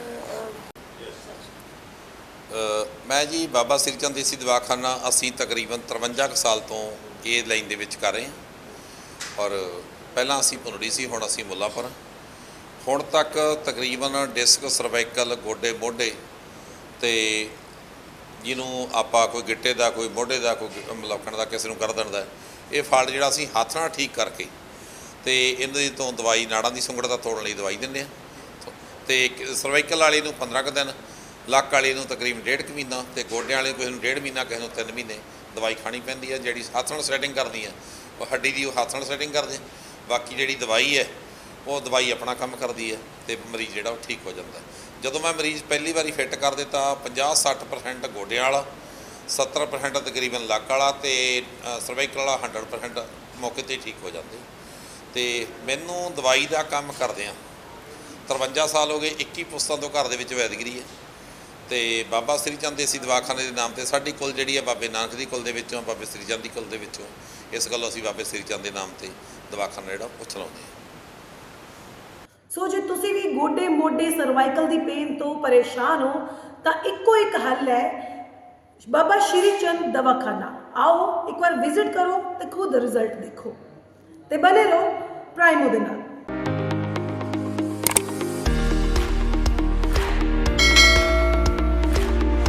[SPEAKER 1] ਮੈਂ ਜੀ ਬਾਬਾ ਸ੍ਰੀ ਚੰਦ ਦੇਸੀ ਦਵਾਖਾਨਾ ਅਸੀਂ ਤਕਰੀਬਨ ਤਰਵੰਜਾ ਕੁ ਸਾਲ ਤੋਂ ਇਹ ਲਾਈਨ ਦੇ ਵਿੱਚ ਕਰ ਰਹੇ ਹਾਂ। ਔਰ ਪਹਿਲਾਂ ਅਸੀਂ ਭੁਨੜੀ ਸੀ, ਹੁਣ ਅਸੀਂ ਮੁੱਲਾਂਪੁਰ। ਹੁਣ ਤੱਕ ਤਕਰੀਬਨ ਡਿਸਕ, ਸਰਵਾਈਕਲ, ਗੋਡੇ, ਮੋਢੇ, ਤੇ ਜਿਹਨੂੰ ਆਪਾਂ ਕੋਈ ਗਿੱਟੇ ਦਾ, ਕੋਈ ਮੋਢੇ ਦਾ, ਕੋਈ ਮਲੌਕਣ ਦਾ, ਕਿਸੇ ਨੂੰ ਗਰਦਨ ਦਾ, ਇਹ ਫਾਲਟ ਜਿਹੜਾ ਅਸੀਂ ਹੱਥ ਨਾਲ ਠੀਕ ਕਰਕੇ ਤੇ ਇਹਨਾਂ ਤੋਂ ਦਵਾਈ, ਨਾੜਾਂ ਦੀ ਸੁੰਗੜਤਾ ਤੋੜਨ ਲਈ ਦਵਾਈ ਦਿੰਦੇ ਹਾਂ। ਤੇ ਸਰਵਾਈਕਲ ਵਾਲੇ ਨੂੰ ਪੰਦਰਾਂ ਕੁ ਦਿਨ, ਲੱਕ ਵਾਲੇ ਨੂੰ ਤਕਰੀਬਨ ਡੇਢ ਕੁ ਮਹੀਨਾ, ਤੇ ਗੋਡਿਆਂ ਵਾਲੇ ਕਿਸੇ ਨੂੰ ਡੇਢ ਮਹੀਨਾ, ਕਿਸੇ ਨੂੰ ਤਿੰਨ ਮਹੀਨੇ ਦਵਾਈ ਖਾਣੀ ਪੈਂਦੀ ਹੈ। ਜਿਹੜੀ ਹੱਥ ਨਾਲ ਸੈਟਿੰਗ ਕਰਦੀ ਹੈ ਉਹ ਹੱਡੀ ਦੀ, ਉਹ ਹੱਥ ਨਾਲ ਸੈਟਿੰਗ ਕਰਦੇ। ਬਾਕੀ ਜਿਹੜੀ ਦਵਾਈ ਹੈ ਉਹ ਦਵਾਈ ਆਪਣਾ ਕੰਮ ਕਰਦੀ ਹੈ, ਤੇ ਮਰੀਜ਼ ਜਿਹੜਾ ਉਹ ਠੀਕ ਹੋ ਜਾਂਦਾ। ਜਦੋਂ ਮੈਂ ਮਰੀਜ਼ ਪਹਿਲੀ ਵਾਰੀ ਫਿੱਟ ਕਰ ਦਿੱਤਾ, ਪੰਜਾਹ ਸੱਠ ਪਰਸੈਂਟ ਗੋਡਿਆਂ ਵਾਲਾ, ਸੱਤਰ ਪਰਸੈਂਟ ਤਕਰੀਬਨ ਲੱਕ ਵਾਲਾ, ਤੇ ਸਰਵਾਈਕਲ ਵਾਲਾ ਹੰਡਰਡ ਪਰਸੈਂਟ ਮੌਕੇ 'ਤੇ ਠੀਕ ਹੋ ਜਾਂਦੇ। ਤੇ ਮੈਨੂੰ ਦਵਾਈ ਦਾ ਕੰਮ ਕਰਦਿਆਂ ਤਰਵੰਜਾ ਸਾਲ ਹੋ ਗਏ। ਇੱਕੀ ਪੁਸਤਾਂ ਤੋਂ ਘਰ ਦੇ ਵਿੱਚ ਵੈਦਗਰੀ ਹੈ, ਤੇ ਬਾਬਾ ਸ੍ਰੀ ਚੰਦ ਦੇਸੀ ਦਵਾਖਾਨੇ ਦੇ ਨਾਮ ਤੇ ਸਾਡੀ ਕੁਲ ਜਿਹੜੀ ਹੈ ਬਾਬੇ ਨਾਨਕ ਦੀ ਕੁਲ ਦੇ ਵਿੱਚੋਂ, ਬਾਬੇ ਸ੍ਰੀ ਚੰਦ ਦੀ ਕੁਲ ਦੇ ਵਿੱਚੋਂ, ਇਸ ਗੱਲੋਂ ਅਸੀਂ ਬਾਬੇ ਸ੍ਰੀ ਚੰਦ ਦੇ ਨਾਮ ਤੇ ਦਵਾਖਾਨਾ ਜਿਹੜਾ ਉਹ ਚਲਾਉਂਦੇ ਹਾਂ।
[SPEAKER 2] ਸੋ ਜੇ ਤੁਸੀਂ ਵੀ ਗੋਡੇ, ਮੋਢੇ, ਸਰਵਾਈਕਲ ਦੀ ਪੇਨ ਤੋਂ ਪਰੇਸ਼ਾਨ ਹੋ ਤਾਂ ਇੱਕੋ ਇੱਕ ਹੱਲ ਹੈ, ਬਾਬਾ ਸ਼੍ਰੀ ਚੰਦ ਦਵਾਖਾਨਾ। ਆਓ ਇੱਕ ਵਾਰ ਵਿਜ਼ਿਟ ਕਰੋ ਤੇ ਖੁਦ ਰਿਜ਼ਲਟ ਦੇਖੋ, ਤੇ ਬਨੇ ਰਹੋ ਪ੍ਰਾਈਮੋ ਦੇ ਨਾਲ।